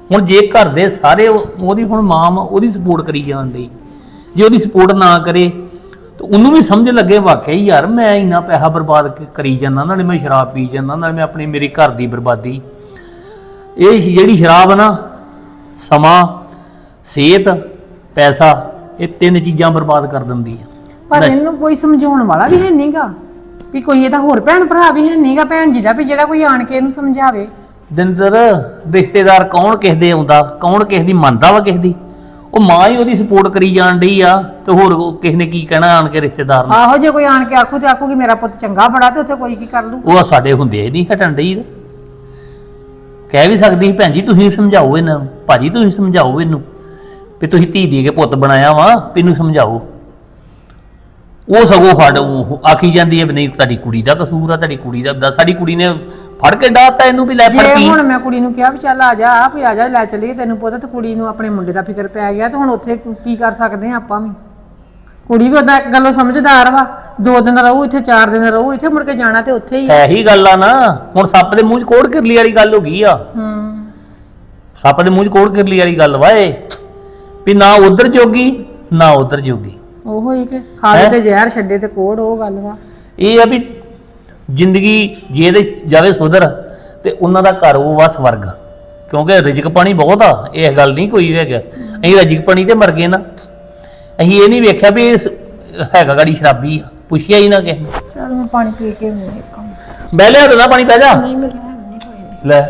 ਹੁਣ ਜੇ ਘਰ ਦੇ ਸਾਰੇ ਉਹ- ਉਹਦੀ ਹੁਣ ਮਾਂ ਵਾ, ਉਹਦੀ ਸਪੋਰਟ ਕਰੀ ਜਾਣ ਡਈ, ਜੇ ਉਹਦੀ ਸਪੋਰਟ ਨਾ ਕਰੇ ਤਾਂ ਉਹਨੂੰ ਵੀ ਸਮਝ ਲੱਗੇ ਵਾਕਿਆ ਹੀ ਯਾਰ ਮੈਂ ਇੰਨਾ ਪੈਸਾ ਬਰਬਾਦ ਕ- ਕਰੀ ਜਾਂਦਾ, ਨਾਲੇ ਮੈਂ ਸ਼ਰਾਬ ਪੀ ਜਾਂਦਾ, ਨਾਲੇ ਮੈਂ ਆਪਣੀ ਮੇਰੀ ਘਰ ਦੀ ਬਰਬਾਦੀ। ਇਹ ਜਿਹੜੀ ਸ਼ਰਾਬ ਆ ਨਾ, ਸਮਾਂ, ਸਿਹਤ, ਪੈਸਾ, ਇਹ ਤਿੰਨ ਚੀਜ਼ਾਂ ਬਰਬਾਦ ਕਰ ਦਿੰਦੀ ਆ।
ਪਰ ਇਹਨੂੰ ਕੋਈ ਸਮਝਾਉਣ ਵਾਲਾ ਵੀ ਹੈ ਨਹੀਂਗਾ ਵੀ ਕੋਈ ਇਹਦਾ ਹੋਰ ਭੈਣ ਭਰਾ ਵੀ ਹੈ ਨਹੀਂਗਾ ਭੈਣ ਜੀ ਦਾ ਵੀ ਜਿਹੜਾ ਕੋਈ ਆਣ ਕੇ ਇਹਨੂੰ ਸਮਝਾਵੇ।
ਦਿੰਦਰ ਰਿਸ਼ਤੇਦਾਰ ਕੌਣ ਕਿਸੇ ਦੇ ਆਉਂਦਾ, ਕੌਣ ਕਿਸੇ ਦੀ ਮੰਨਦਾ ਵਾ ਕਿਸੇ ਦੀ? ਉਹ ਮਾਂ ਹੀ ਉਹਦੀ ਸਪੋਰਟ ਕਰੀ ਜਾਣ ਡਈ ਆ, ਤੇ ਹੋਰ ਉਹ ਕਿਸੇ ਨੇ ਕੀ ਕਹਿਣਾ ਆਣ ਕੇ ਰਿਸ਼ਤੇਦਾਰ ਨੇ?
ਆਹੋ ਜੇ ਕੋਈ ਆਣ ਕੇ ਆਖੂ ਤੇ ਆਖੂਗੀ ਮੇਰਾ ਪੁੱਤ ਚੰਗਾ ਬੜਾ, ਤੇ ਉੱਥੇ ਕੋਈ ਕੀ ਕਰ ਲੂ।
ਉਹ ਸਾਡੇ ਹੁੰਦੇ ਨਹੀਂ ਹਟਣ ਡਈ। ਕਹਿ ਵੀ ਸਕਦੀ ਸੀ ਭੈਣ ਜੀ ਤੁਸੀਂ ਸਮਝਾਓ ਇਹਨਾਂ ਨੂੰ, ਭਾਜੀ ਤੁਸੀਂ ਸਮਝਾਓ ਇਹਨੂੰ ਵੀ ਤੁਸੀਂ ਧੀ ਦੇ ਕੇ ਪੁੱਤ ਬਣਾਇਆ ਵਾ, ਵੀ ਇਹਨੂੰ ਸਮਝਾਓ। ਉਹ ਸਗੋਂ ਫੜ ਉਹ ਆਖੀ ਜਾਂਦੀ ਹੈ ਵੀ ਨਹੀਂ ਤੁਹਾਡੀ ਕੁੜੀ ਦਾ ਕਸੂਰ ਆ, ਤੁਹਾਡੀ ਕੁੜੀ ਦਾ। ਸਾਡੀ ਕੁੜੀ ਨੇ ਫੜ ਕੇ ਡਾਤਾ ਇਹਨੂੰ ਵੀ ਲੈ ਫੜ
ਜੇ
ਪੀ।
ਹੁਣ ਮੈਂ ਕੁੜੀ ਨੂੰ ਕਿਹਾ ਵੀ ਚੱਲ ਆ ਜਾ, ਵੀ ਆ ਜਾ ਲੈ ਚੱਲੀਏ ਤੈਨੂੰ ਪੁੱਤ, ਤੇ ਕੁੜੀ ਨੂੰ ਆਪਣੇ ਮੁੰਡੇ ਦਾ ਫਿਕਰ ਪੈ ਗਿਆ, ਤੇ ਹੁਣ ਉੱਥੇ ਕੀ ਕਰ ਸਕਦੇ ਆ ਆਪਾਂ ਵੀ? ਕੁੜੀ ਵੀ ਉਹਦਾ ਇੱਕ ਗੱਲੋਂ ਸਮਝਦਾਰ ਵਾ, ਦੋ ਦਿਨ ਰਹੂ ਇੱਥੇ, ਚਾਰ ਦਿਨ ਰਹੂ ਇੱਥੇ, ਮੁੜ ਕੇ ਜਾਣਾ ਤੇ ਉੱਥੇ ਹੀ ਆ।
ਇਹੀ ਗੱਲ ਆ ਨਾ, ਹੁਣ ਸੱਪ ਦੇ ਮੂੰਹ 'ਚ ਕੋੜ ਕਿਰਲੀ ਵਾਲੀ ਗੱਲ ਹੋ ਗਈ ਆ।
ਹੂੰ
ਸੱਪ ਦੇ ਮੂੰਹ 'ਚ ਕੋੜ ਕਿਰਲੀ ਵਾਲੀ ਗੱਲ ਵਾ ਇਹ, ਵੀ ਨਾ ਉਧਰ ਜੋਗੀ ਨਾ ਉਧਰ ਜੋਗੀ।
ਉਹੋ ਹੀ ਕਿ ਖਾਲੇ ਤੇ ਜ਼ਹਿਰ ਛੱਡੇ ਤੇ ਕੋੜ, ਉਹ ਗੱਲ ਵਾ।
ਇਹ ਆ ਵੀ ਜ਼ਿੰਦਗੀ ਜੇ ਇਹਦੇ ਜਾਵੇ ਸੁਧਰ ਤੇ ਉਹਨਾਂ ਦਾ ਘਰ ਉਹ ਵਾ ਸਵਰਗ, ਕਿਉਂਕਿ ਰਿਜ਼ਕ ਪਾਣੀ ਬਹੁਤ ਆ, ਇਹ ਗੱਲ ਨਹੀਂ ਕੋਈ ਹੈਗਾ। ਅਸੀਂ ਰਿਜ਼ਕ ਪਾਣੀ ਤੇ ਮਰ ਗਏ ਨਾ, ਅਸੀਂ ਇਹ ਨਹੀਂ ਵੇਖਿਆ ਵੀ ਇਹ ਹੈਗਾ ਗਾੜੀ ਸ਼ਰਾਬੀ ਆ, ਪੁੱਛਿਆ ਹੀ ਨਾ ਕਿਸੇ ਨੇ।
ਚੱਲ ਮੈਂ ਪਾਣੀ ਪੀ ਕੇ ਆਉਂਦੀ ਹਾਂ ਕੰਮ।
ਬਹਿ ਲਿਆ ਤੇ ਨਾ ਪਾਣੀ ਪੈ ਜਾ।
ਨਹੀਂ ਮਿਲਿਆ ਨਹੀਂ ਕੋਈ
ਲੈ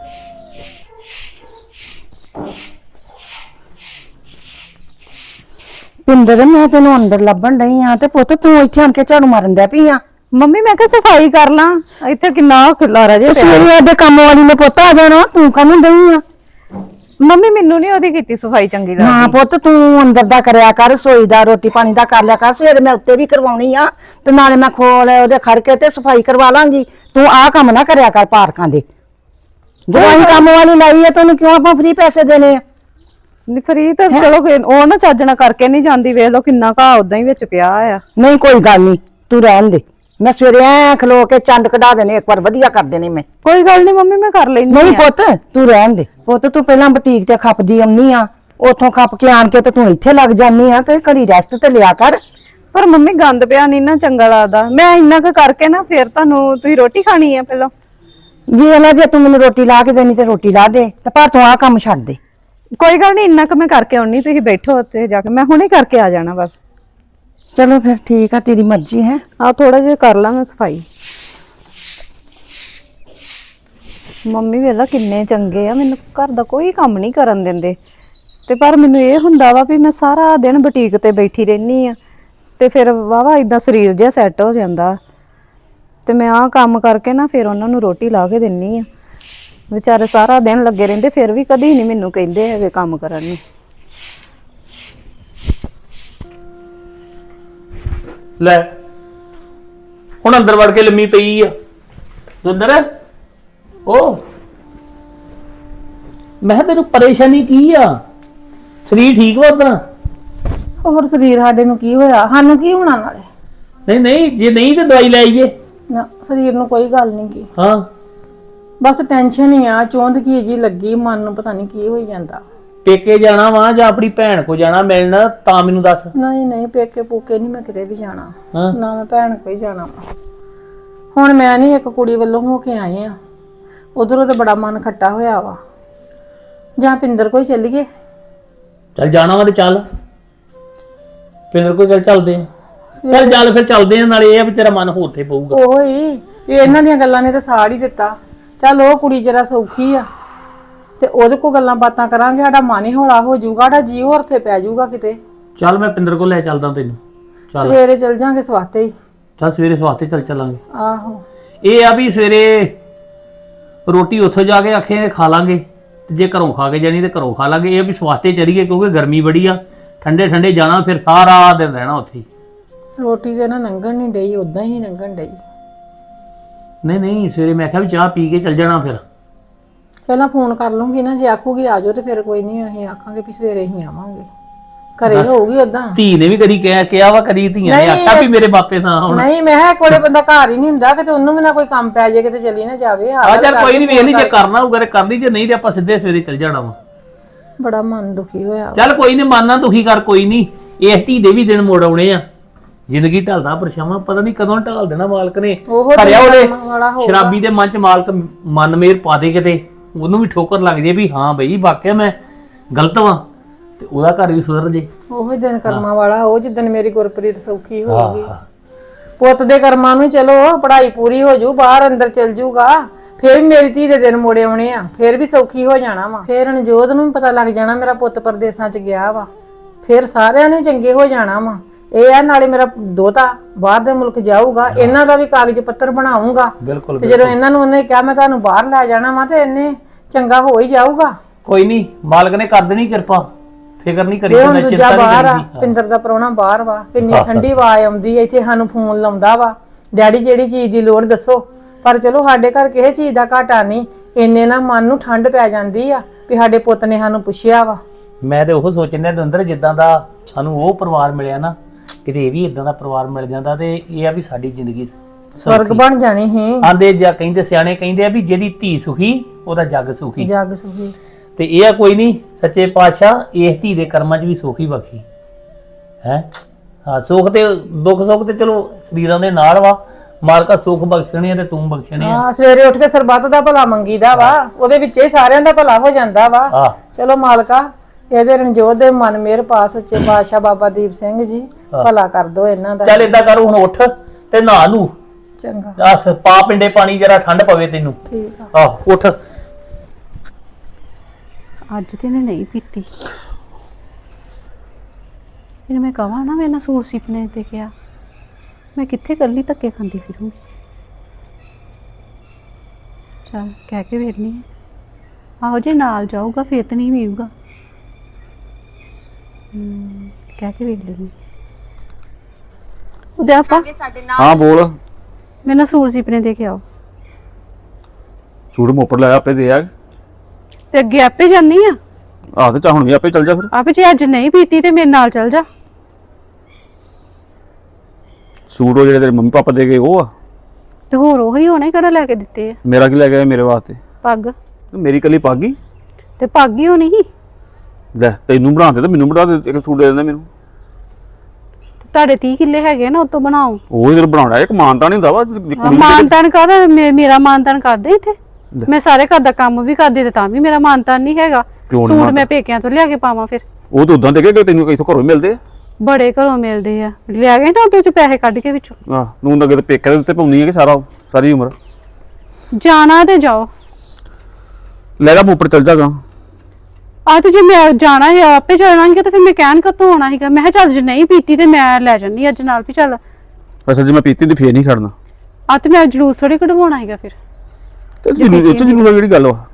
ਪਿੰਦਰ ਮੈਂ ਤੈਨੂੰ ਅੰਦਰ ਲੱਭਣ ਡਈ ਆ ਤੇ ਪੁੱਤ ਤੂੰ ਇੱਥੇ ਆਣ ਕੇ ਝਾੜੂ ਮਾਰਨ ਡਿਆ ਪਈ ਆ।
ਮੰਮੀ ਮੈਂ ਕਿਹਾ ਸਫਾਈ ਕਰ ਲਾਂ, ਇੱਥੇ ਕਿੰਨਾ ਖਿਲਾਰਾ ਜੇ ਪਿਆ।
ਸਵੇਰੇ ਦੇ ਕੰਮ ਵਾਲੀ ਨੇ ਪੁੱਤ ਆ ਜਾਣਾ, ਤੂੰ ਕਾਹਨੂੰ ਡਈ ਆ?
ਮੰਮੀ ਮੈਨੂੰ ਨਹੀਂ ਉਹਦੀ ਕੀਤੀ ਸਫਾਈ ਚੰਗੀ
ਹਾਂ
ਲੱਗਦੀ।
ਪੁੱਤ ਤੂੰ ਅੰਦਰ ਦਾ ਕਰਿਆ ਕਰ, ਰਸੋਈ ਦਾ ਰੋਟੀ ਪਾਣੀ ਦਾ ਕਰ ਲਿਆ ਕਰ। ਸਵੇਰੇ ਮੈਂ ਉੱਤੇ ਵੀ ਕਰਵਾਉਣੀ ਆ ਤੇ ਨਾਲੇ ਮੈਂ ਖੋਲ ਉਹਦੇ ਖੜ ਕੇ ਤੇ ਸਫਾਈ ਕਰਵਾ ਲਾਂਗੀ। ਤੂੰ ਆਹ ਕੰਮ ਨਾ ਕਰਿਆ ਕਰ ਪਾਰਕਾਂ ਦੇ। ਜਦੋਂ ਅਸੀਂ ਕੰਮ ਵਾਲੀ ਲਾਈ ਆ ਤੈਨੂੰ ਕਿਉਂ ਆਪਾਂ ਫ੍ਰੀ ਪੈਸੇ ਦੇਣੇ ਆ?
ਨਹੀਂ ਫਰੀ ਤਾਂ ਚਲੋ ਕੋਈ- ਉਹ ਨਾ ਚੱਜਣਾ ਕਰਕੇ ਨਹੀਂ ਜਾਂਦੀ, ਵੇਖ ਲਓ ਕਿੰਨਾ ਘਾਹ ਉਦਾਂ ਹੀ ਵਿੱਚ ਪਿਆ ਆ।
ਨਹੀਂ ਕੋਈ ਗੱਲ ਨਹੀਂ, ਤੂੰ ਰਹਿਣ ਦੇ। ਮੈਂ ਸਵੇਰੇ ਐ ਖਲੋ ਕੇ ਚੰਡ ਕਢਾ ਦੇਣੇ, ਇੱਕ ਵਾਰ ਵਧੀਆ ਕਰ ਦੇਣੇ ਮੈਂ।
ਕੋਈ ਗੱਲ ਨਹੀਂ ਮੰਮੀ, ਮੈਂ ਕਰ ਲੈਣੀ।
ਨਹੀਂ ਪੁੱਤ ਤੂੰ ਰਹਿਣ ਦੇ। ਪੁੱਤ ਤੂੰ ਪਹਿਲਾਂ ਬੁਟੀਕ ਤੇ ਖਪਦੀ ਆਉਣੀ ਆ, ਉਥੋਂ ਖਪ ਕੇ ਆਣ ਕੇ ਤੇ ਤੂੰ ਇੱਥੇ ਲੱਗ ਜਾਨੀ ਆ, ਤੇ ਘੜੀ ਰੈਸਟ ਤੇ ਲਿਆ ਕਰ।
ਪਰ ਮੰਮੀ ਗੰਦ ਪਿਆ ਨਹੀਂ ਨਾ ਚੰਗਾ ਲੱਗਦਾ। ਮੈਂ ਇੰਨਾ ਕੁ ਕਰਕੇ ਨਾ ਫਿਰ ਤੁਹਾਨੂੰ, ਤੁਸੀਂ ਰੋਟੀ ਖਾਣੀ ਆ ਪਹਿਲਾਂ?
ਵੇਖ ਲੈ ਜੇ ਤੂੰ ਮੈਨੂੰ ਰੋਟੀ ਲਾ ਕੇ ਦੇਣੀ ਤੇ ਰੋਟੀ ਲਾ ਦੇ, ਤੇ ਪਰ ਤੂੰ ਆਹ ਕੰਮ ਛੱਡ ਦੇ।
ਕੋਈ ਗੱਲ ਨਹੀਂ, ਇੰਨਾ ਕੁ ਮੈਂ ਕਰਕੇ ਆਉਣੀ, ਤੁਸੀਂ ਬੈਠੋ ਉੱਥੇ ਜਾ ਕੇ, ਮੈਂ ਹੁਣੇ ਕਰਕੇ ਆ ਜਾਣਾ ਬਸ।
ਚਲੋ ਫਿਰ ਠੀਕ ਆ, ਤੇਰੀ ਮਰਜ਼ੀ ਹੈ।
ਆ ਥੋੜਾ ਜਿਹਾ ਕਰ ਲਾਂ ਮੈਂ ਸਫਾਈ। ਮੰਮੀ ਵੇਲਾ ਕਿੰਨੇ ਚੰਗੇ ਆ, ਮੈਨੂੰ ਘਰ ਦਾ ਕੋਈ ਕੰਮ ਨਹੀਂ ਕਰਨ ਦਿੰਦੇ, ਤੇ ਪਰ ਮੈਨੂੰ ਇਹ ਹੁੰਦਾ ਵਾ ਵੀ ਮੈਂ ਸਾਰਾ ਦਿਨ ਬੁਟੀਕ ਤੇ ਬੈਠੀ ਰਹਿਨੀ ਆ, ਤੇ ਫਿਰ ਵਾਵਾ ਇਦਾਂ ਸਰੀਰ ਜਿਹਾ ਸੈੱਟ ਹੋ ਜਾਂਦਾ, ਤੇ ਮੈਂ ਆਹ ਕੰਮ ਕਰਕੇ ਨਾ ਫਿਰ ਉਹਨਾਂ ਨੂੰ ਰੋਟੀ ਲਾ ਕੇ ਦਿੰਨੀ ਆ। ਵਿਚਾਰੇ ਸਾਰਾ ਦਿਨ ਲੱਗੇ ਰਹਿੰਦੇ, ਫਿਰ ਵੀ ਕਦੀ ਨਹੀਂ ਮੈਨੂੰ ਕਹਿੰਦੇ ਹੈਗੇ ਕੰਮ ਕਰਨ ਨੂੰ।
ਲੈ ਹੁਣ ਅੰਦਰ ਵੜ ਕੇ ਲੰਮੀ ਪਈ ਆ ਦੁੰਦਰ। ਉਹ ਮੈਂ ਕਿਹਾ ਤੈਨੂੰ ਪਰੇਸ਼ਾਨੀ ਕੀ ਆ? ਸਰੀਰ ਠੀਕ ਵਾ ਉਦਾਂ?
ਹੋਰ ਸਰੀਰ ਸਾਡੇ ਨੂੰ ਕੀ ਹੋਇਆ, ਸਾਨੂੰ ਕੀ ਹੋਣਾ ਨਾਲੇ?
ਨਹੀਂ ਨਹੀਂ, ਜੇ ਨਹੀਂ ਤੇ ਦਵਾਈ ਲੈ ਆਈਏ।
ਨਾ ਸਰੀਰ ਨੂੰ ਕੋਈ ਗੱਲ ਨਹੀਂ ਕੀ,
ਹਾਂ
ਬਸ ਟੈਨਸ਼ਨ ਹੀ ਆ, ਚੋਂਦ ਕੀ ਜੀ ਲੱਗੀ ਮਨ ਨੂੰ, ਪਤਾ ਨਹੀਂ ਕੀ ਹੋਈ ਜਾਂਦਾ।
ਪੇਕੇ ਜਾਣਾ ਵਾ ਜਾਂ ਆਪਣੀ ਭੈਣ ਕੋ ਜਾਣਾ ਮਿਲਣ, ਤਾਂ ਮੈਨੂੰ ਦੱਸ।
ਨਹੀਂ ਨਹੀਂ ਪੇਕੇ ਪੂਕੇ ਨਹੀਂ ਮੈਂ ਕਿਤੇ ਵੀ ਜਾਣਾ,
ਹਾਂ
ਨਾ ਮੈਂ ਭੈਣ ਕੋਈ ਜਾਣਾ ਵਾ। ਹੁਣ ਮੈਂ ਨਹੀਂ ਇੱਕ ਕੁੜੀ ਵੱਲੋਂ ਹੋ ਕੇ ਆਏ ਆ, ਉਧਰੋਂ ਤੇ ਬੜਾ ਮਨ ਖੱਟਾ ਹੋਇਆ ਵਾ। ਜਾਂ ਪਿੰਦਰ ਕੋਈ ਚੱਲੀਏ?
ਚੱਲ ਜਾਣਾ ਵਾ ਤੇ ਚੱਲ, ਪਿੰਦਰ ਕੋ ਚੱਲ ਚੱਲਦੇ ਆ। ਚੱਲ ਚੱਲ ਫਿਰ ਚੱਲਦੇ ਆ, ਨਾਲੇ ਇਹ ਆ ਵੀ ਤੇਰਾ ਮਨ ਹੋਰ ਤੇ ਪਊਗਾ।
ਉਹ ਹੀ ਵੀ ਇਹਨਾਂ ਦੀਆਂ ਗੱਲਾਂ ਨੇ ਤਾਂ ਸਾੜ ਹੀ ਦਿੱਤਾ। ਚੱਲ ਉਹ ਕੁੜੀ ਜਰਾ ਸੌਖੀ ਆ, ਤੇ ਉਹਦੇ ਕੋਲ ਗੱਲਾਂ ਬਾਤਾਂ ਕਰਾਂਗੇ, ਸਾਡਾ ਮਨ ਹੀ ਹੌਲਾ ਹੋ ਜਾਊਗਾ, ਸਾਡਾ ਜੀ ਹੋਰ ਥੇ ਪੈ ਜਾਊਗਾ ਕਿਤੇ।
ਚੱਲ ਮੈਂ ਪਿੰਦਰ ਕੋ ਲੈ ਚੱਲਦਾ ਤੈਨੂੰ। ਚੱਲ
ਸਵੇਰੇ ਚੱਲ ਜਾਾਂਗੇ ਸਵਾਤੇ ਹੀ।
ਚੱਲ ਸਵੇਰੇ ਸਵਾਤੇ ਚੱਲ ਚੱਲਾਂਗੇ।
ਆਹੋ
ਇਹ ਆ ਵੀ ਸਵੇਰੇ ਰੋਟੀ ਉੱਥੋਂ ਜਾ ਕੇ ਆਖੇ ਖਾ ਲਾਂਗੇ, ਤੇ ਜੇ ਘਰੋਂ ਖਾ ਕੇ ਜਾਣੀ ਤੇ ਘਰੋਂ ਖਾ ਲਾਂਗੇ। ਇਹ ਵੀ ਸਵਾਤੇ ਚਲੀਏ, ਕਿਉਂਕਿ ਗਰਮੀ ਬੜੀ ਆ, ਠੰਡੇ ਠੰਡੇ ਜਾਣਾ, ਫਿਰ ਸਾਰਾ ਦਿਨ ਰਹਿਣਾ ਉੱਥੇ।
ਰੋਟੀ ਤੇ ਨਾ ਲੰਘਣ ਨਹੀਂ ਡਈ, ਉਦਾਂ ਹੀ ਲੰਘਣ ਡਈ।
ਨਹੀਂ ਨਹੀਂ, ਸਵੇਰੇ ਮੈਂ ਕਿਹਾ ਵੀ ਚਾਹ ਪੀ ਕੇ ਚੱਲ ਜਾਣਾ। ਫਿਰ
ਪਹਿਲਾਂ ਫੋਨ ਕਰ ਲੂੰਗੀ ਨਾ, ਜੇ ਆਖੂਗੀ ਆ ਜਾਓ ਤੇ ਫਿਰ ਕੋਈ ਨਹੀਂ, ਅਸੀਂ ਆਖਾਂਗੇ ਵੀ ਸਵੇਰੇ ਹੀ ਆਵਾਂਗੇ। ਘਰੇ ਹੋਊਗੀ ਉਦਾਂ।
ਧੀ ਨੇ ਵੀ ਕਦੀ ਕਿਹਾ ਕਿਹਾ ਵਾ, ਕਦੀ ਧੀਆਂ ਨੇ ਆਖਿਆ ਵੀ ਮੇਰੇ ਬਾਪੇ ਨਾ ਹੁਣ।
ਨਹੀਂ ਮੈਂ ਕਿਹਾ ਕੋਲੇ ਬੰਦਾ ਘਰ ਹੀ ਨਹੀਂ ਹੁੰਦਾ, ਕਿਤੇ ਉਹਨੂੰ ਵੀ ਨਾ ਕੋਈ ਕੰਮ ਪੈ ਜਾਏ, ਕਿਤੇ ਚਲੀ ਨਾ ਜਾਵੇ।
ਆ ਚੱਲ ਕੋਈ ਨਹੀਂ, ਵੇਖ ਲਈ, ਜੇ ਕਰਨਾ ਹੋਊਗਾ ਤੇ ਕਰ ਲਈ, ਜੇ ਨਹੀਂ ਤੇ ਆਪਾਂ ਸਿੱਧੇ ਸਵੇਰੇ ਚੱਲ ਜਾਣਾ ਵਾ।
ਬੜਾ ਮਨ ਦੁਖੀ ਹੋਇਆ ਵਾ।
ਚੱਲ ਕੋਈ ਨਹੀਂ, ਮਾਨਾ ਦੁਖੀ ਕਰ, ਕੋਈ ਨਹੀਂ, ਇਸ ਧੀ ਦੇ ਵੀ ਦਿਨ ਮੋੜ ਆਉਣੇ ਆ। ਜ਼ਿੰਦਗੀ ਢਲਦਾ ਪਰਛਾਵਾਂ, ਪਤਾ ਨਹੀਂ ਕਦੋਂ ਢਾਲ ਦੇਣਾ ਮਾਲਕ ਨੇ।
ਉਹੋ
ਖਰਿਆ
ਦਿਨ
ਉਹਦੇ
ਕਰਮ ਵਾਲਾ ਹੋਊਗਾ।
ਸ਼ਰਾਬੀ ਦੇ ਮਨ ਚ ਮਾਲਕ ਮਨ ਮੇਰ ਪਾ ਦੇ ਕਿਤੇ, ਉਹਨੂੰ ਵੀ ਠੋਕਰ ਲੱਗ ਜੇ ਵੀ ਹਾਂ ਬਈ ਵਾਕਿਆ ਮੈਂ ਗਲਤ ਵਾਂ, ਤੇ ਉਹਦਾ ਘਰ ਵੀ ਸੁਧਰ ਜੇ।
ਉਹੋ ਦਿਨ ਕਰਮਾਂ ਵਾਲਾ ਉਹ ਜਿੱਦਣ ਮੇਰੀ ਗੁਰਪ੍ਰੀਤ ਸੌਖੀ ਹੋਊਗੀ। ਪੁੱਤ ਦੇ ਕਰਮਾਂ ਨੂੰ ਚਲੋ ਪੜ੍ਹਾਈ ਪੂਰੀ ਹੋ ਜੂ, ਬਾਹਰ ਅੰਦਰ ਚਲ ਜੂਗਾ, ਫੇਰ ਵੀ ਮੇਰੀ ਧੀ ਦੇ ਦਿਨ ਮੋੜੇ ਆਉਣੇ ਆ, ਫੇਰ ਵੀ ਸੌਖੀ ਹੋ ਜਾਣਾ ਵਾ। ਫੇਰ ਅਨਜੋਤ ਨੂੰ ਵੀ ਪਤਾ ਲੱਗ ਜਾਣਾ ਮੇਰਾ ਪੁੱਤ ਪਰਦੇਸਾਂ ਚ ਗਿਆ ਵਾ, ਫੇਰ ਸਾਰਿਆਂ ਨੇ ਚੰਗੇ ਹੋ ਜਾਣਾ ਵਾ। ਇਹ ਆ ਨਾਲੇ ਮੇਰਾ ਦੋਤਾ ਬਾਹਰ ਦੇ ਮੁਲਕ ਜਾਊਗਾ, ਇਹਨਾਂ ਦਾ ਵੀ ਕਾਗਜ਼ ਪੱਤਰ ਬਣਾਉਂਗਾ,
ਬਿਲਕੁਲ
ਤੇ ਜਦੋਂ ਇਹਨਾਂ ਨੂੰ ਉਹਨੇ ਕਿਹਾ ਮੈਂ ਤੁਹਾਨੂੰ ਬਾਹਰ ਲੈ ਜਾਣਾ ਵਾ, ਤੇ ਇਹਨੇ ਚੰਗਾ ਹੋ ਹੀ ਜਾਊਗਾ।
ਕੋਈ ਨਹੀਂ, ਮਾਲਕ ਨੇ ਕਰ ਦੇਣੀ ਕਿਰਪਾ, ਫਿਕਰ ਨਹੀਂ ਕਰੀ,
ਇਹ ਹੁਣ
ਚਿੰਤਾ
ਦੂਜਾ ਬਾਹਰ ਆ,
ਨਹੀਂ
ਪਿੰਦਰ ਦਾ ਪ੍ਰਾਹੁਣਾ ਬਾਹਰ ਵਾ, ਕਿੰਨੀ ਠੰਡੀ ਆਵਾਜ਼ ਆਉਂਦੀ ਐ ਇੱਥੇ, ਸਾਨੂੰ ਫੋਨ ਲਾਉਂਦਾ ਵਾ, ਡੈਡੀ ਜਿਹੜੀ ਚੀਜ਼ ਦੀ ਲੋੜ ਦੱਸੋ। ਪਰ ਚਲੋ ਸਾਡੇ ਘਰ ਕਿਸੇ ਚੀਜ਼ ਦਾ ਘਾਟਾ ਨਹੀਂ, ਇੰਨੇ ਨਾ ਮਨ ਨੂੰ ਠੰਡ ਪੈ ਜਾਂਦੀ ਆ ਵੀ ਸਾਡੇ ਪੁੱਤ ਨੇ ਸਾਨੂੰ ਪੁੱਛਿਆ ਵਾ।
ਮੈਂ ਤੇ ਉਹ ਸੋਚਿਆ ਦਵਿੰਦਰ, ਜਿੱਦਾਂ ਦਾ ਸਾਨੂੰ ਉਹ ਪਰਿਵਾਰ ਮਿਲਿਆ ਨਾ, ਕਿਤੇ ਇਹ ਵੀ ਇਦਾਂ ਦਾ ਪਰਿਵਾਰ ਮਿਲ ਜਾਂਦਾ ਤੇ ਇਹ ਆ ਵੀ ਸਾਡੀ ਜ਼ਿੰਦਗੀ
ਸਵਰਗ ਬਣ ਜਾਣੀ ਸੀ।
ਆਂਦੇ ਜਾਂ ਕਹਿੰਦੇ ਸਿਆਣੇ ਕਹਿੰਦੇ ਆ ਵੀ ਜਿਹਦੀ ਧੀ ਸੁਖੀ ਉਹਦਾ ਜੱਗ ਸੁਖੀ।
ਜੱਗ ਸੁਖੀ।
ਤੇ ਇਹ ਆ ਕੋਈ ਨਹੀਂ, ਸੱਚੇ ਪਾਤਸ਼ਾਹ ਇਸ ਧੀ ਦੇ ਕਰਮਾਂ 'ਚ ਵੀ ਸੁਖੀ ਬਖਸ਼ੀ ਹੈ। ਹਾਂ, ਸੁੱਖ ਤੇ ਦੁੱਖ ਸੁੱਖ ਤੇ ਚਲੋ ਸਰੀਰਾਂ ਦੇ ਨਾਲ ਵਾ, ਮਾਲਕਾ ਸੁੱਖ ਬਖਸ਼ਣੇ ਆ ਤੇ ਤੂੰ ਬਖਸ਼ਣੇ ਆ।
ਹਾਂ, ਸਵੇਰੇ ਉੱਠ ਕੇ ਸਰਬੱਤ ਦਾ ਭਲਾ ਮੰਗੀਦਾ ਵਾ, ਉਹਦੇ ਵਿੱਚ ਹੀ ਸਾਰਿਆਂ ਦਾ ਭਲਾ ਹੋ ਜਾਂਦਾ ਵਾ।
ਹਾਂ
ਚਲੋ ਮਾਲਕਾ ਇਹਦੇ ਰਣਜੋਤ ਦੇ ਮਨ ਮੇਰ ਪਾ, ਸੱਚੇ ਪਾਤਸ਼ਾਹ ਬਾਬਾ ਦੀਪ ਸਿੰਘ ਜੀ ਭਲਾ ਕਰ ਦੋ ਇਹਨਾਂ ਦਾ।
ਚੱਲ ਏਦਾਂ ਕਰ, ਹੁਣ ਉੱਠ ਤੇ ਨਹਾ ਲੂ,
ਚੰਗਾ
ਆਹ ਪਾ ਪਿੰਡੇ ਪਾਣੀ ਜਰਾ ਠੰਡ ਪਵੇ ਤੈਨੂੰ।
ਠੀਕ ਆ।
ਆਹ ਉੱਠ।
ਅੱਜ ਤੇ ਇਹਨੇ ਨਹੀਂ ਪੀਤੀ, ਇਹਨੂੰ ਮੈਂ ਕਹਾਂ ਨਾ ਮੈਂ ਨਾ ਸੂਟ ਸਿਪਨੇ ਤੇ ਕਿਹਾ, ਮੈਂ ਕਿੱਥੇ ਇਕੱਲੀ ਧੱਕੇ ਖਾਂਦੀ ਫਿਰੂੰਗੀ। ਚੱਲ ਕਹਿ ਕੇ ਵੇਖਣੀ ਹੈ, ਆਹੋ ਜੇ ਨਾਲ ਜਾਊਗਾ ਫੇਰ ਤਾਂ ਨਹੀਂ ਪੀਊਗਾ। ਹਮ, ਕਹਿ ਕੇ ਵੇਖ ਲੈਂਦੀ। ਉਹਦੇ ਆਪਾ
ਹਾਂ ਬੋਲ।
ਮੈਂ ਨਾ ਸੂਟ ਸਿਪਨੇ ਦੇ ਕੇ ਆਓ,
ਸੂਟ ਮੋਪਰ ਲੈ ਆਪੇ ਦੇ ਆ।
ਤੇ ਅੱਗੇ ਆਪੇ ਜਾਨੀ ਆ।
ਆਹ ਤੇ ਚਾ ਹੁਣ ਵੀ ਆਪੇ ਚੱਲ ਜਾ ਫਿਰ।
ਆਪੇ ਜੇ ਅੱਜ ਨਹੀਂ ਪੀਤੀ ਤੇ ਮੇਰੇ ਨਾਲ ਚੱਲ ਜਾ।
ਸੂਟ ਉਹ ਜਿਹੜੇ ਤੇਰੇ ਮੰਮੀ ਪਾਪਾ ਦੇ ਗਏ ਉਹ ਆ,
ਤੇ ਹੋਰ ਉਹੀ ਹੋਣੇ ਕਿਹੜਾ ਲੈ ਕੇ ਦਿੱਤੇ ਆ।
ਮੇਰਾ ਕੀ ਲੈ ਗਿਆ ਮੇਰੇ ਵਾਸਤੇ?
ਪੱਗ
ਮੇਰੀ ਕੱਲੀ ਪੱਗ ਹੀ
ਤੇ ਪੱਗ ਹੀ ਹੋਣੀ ਸੀ।
ਲੈ ਤੈਨੂੰ ਬਣਾ ਦੇ ਤੇ ਮੈਨੂੰ ਬਣਾ ਦੇ, ਇੱਕ ਸੂਟ ਦੇ ਦਿੰਦਾ ਮੈਨੂੰ।
ਤੁਹਾਡੇ ਤੀਹ ਕਿੱਲੇ ਹੈਗੇ ਨਾ, ਉਹ ਤੋਂ ਬਣਾਓ।
ਉਹ ਹੀ ਤੈਨੂੰ ਬਣਾਉਣਾ, ਇੱਕ ਮਾਨਤਾ ਨਹੀਂ ਹੁੰਦਾ ਵਾ ਕੁੜੀ ਨੂੰ।
ਮਾਨਤਾਨ ਕਰ, ਮੇਰਾ ਮਾਨਤਾਨ ਕਰਦੇ ਇੱਥੇ। ਮੈਂ ਸਾਰੇ ਘਰ ਦਾ ਕੰਮ ਵੀ ਕਰਦੀ ਤੇ ਤਾਂ ਵੀ ਮੇਰਾ ਮਾਨਤਾਨ ਨਹੀਂ ਹੈਗਾ।
ਕਿਉਂ ਨੀ
ਸੂਟ
ਮਾਨਤਾਨ?
ਮੈਂ ਪੇਕਿਆਂ ਤੋਂ ਲਿਆ ਕੇ ਪਾਵਾਂ ਫਿਰ?
ਉਹ ਤਾਂ ਉਦਾਂ ਦੇ ਕੇ ਤੈਨੂੰ ਕਿਥੋਂ ਘਰੋਂ ਹੀ ਮਿਲਦੇ ਆ।
ਬੜੇ ਘਰੋਂ ਮਿਲਦੇ ਆ, ਲਿਆ ਗਏ ਨਾ ਉਹਦੇ ਚ ਪੈਸੇ ਕੱਢ ਕੇ ਵਿੱਚੋਂ।
ਆਹ ਨੂੰ ਲੱਗੇ ਤੇ ਪੇਕੇ ਦੇ ਉੱਤੇ ਪਾਉਣੀ ਹੈ ਕਿ ਸਾਰਾ ਸਾਰੀ ਉਮਰ।
ਜਾਣਾ ਤੇ ਜਾਓ।
ਲੈ ਜਾ ਮੋਪਰ ਚੱਲ ਜਾਗਾ।
ਆ ਤੇ ਜੇ ਮੈਂ ਜਾਣਾ ਹੈ ਆਪੇ ਜਾਣਾਂਗੇ ਤਾਂ ਫਿਰ ਮੈਂ ਕਹਿਣ ਕਦੋਂ ਆਉਣਾ ਸੀਗਾ। ਮੈਂ ਕਿਹਾ ਚੱਲ ਜੇ ਨਹੀਂ ਪੀਤੀ ਤੇ ਮੈਂ ਲੈ ਜੰਨੀ ਅੱਜ ਨਾਲ, ਵੀ ਚੱਲ।
ਅੱਛਾ ਜੇ ਮੈਂ ਪੀਤੀ ਤੇ ਫੇਰ ਨਹੀਂ ਖੜਨਾ।
ਆ ਤੇ ਮੈਂ ਜਲੂਸ ਥੋੜੀ ਕਢਵਾਉਣਾ ਸੀਗਾ ਫਿਰ।
ਤੇ ਜਰੂਰ ਇੱਥੇ ਜਰੂਰ ਜਿਹੜੀ ਗੱਲ ਵਾ,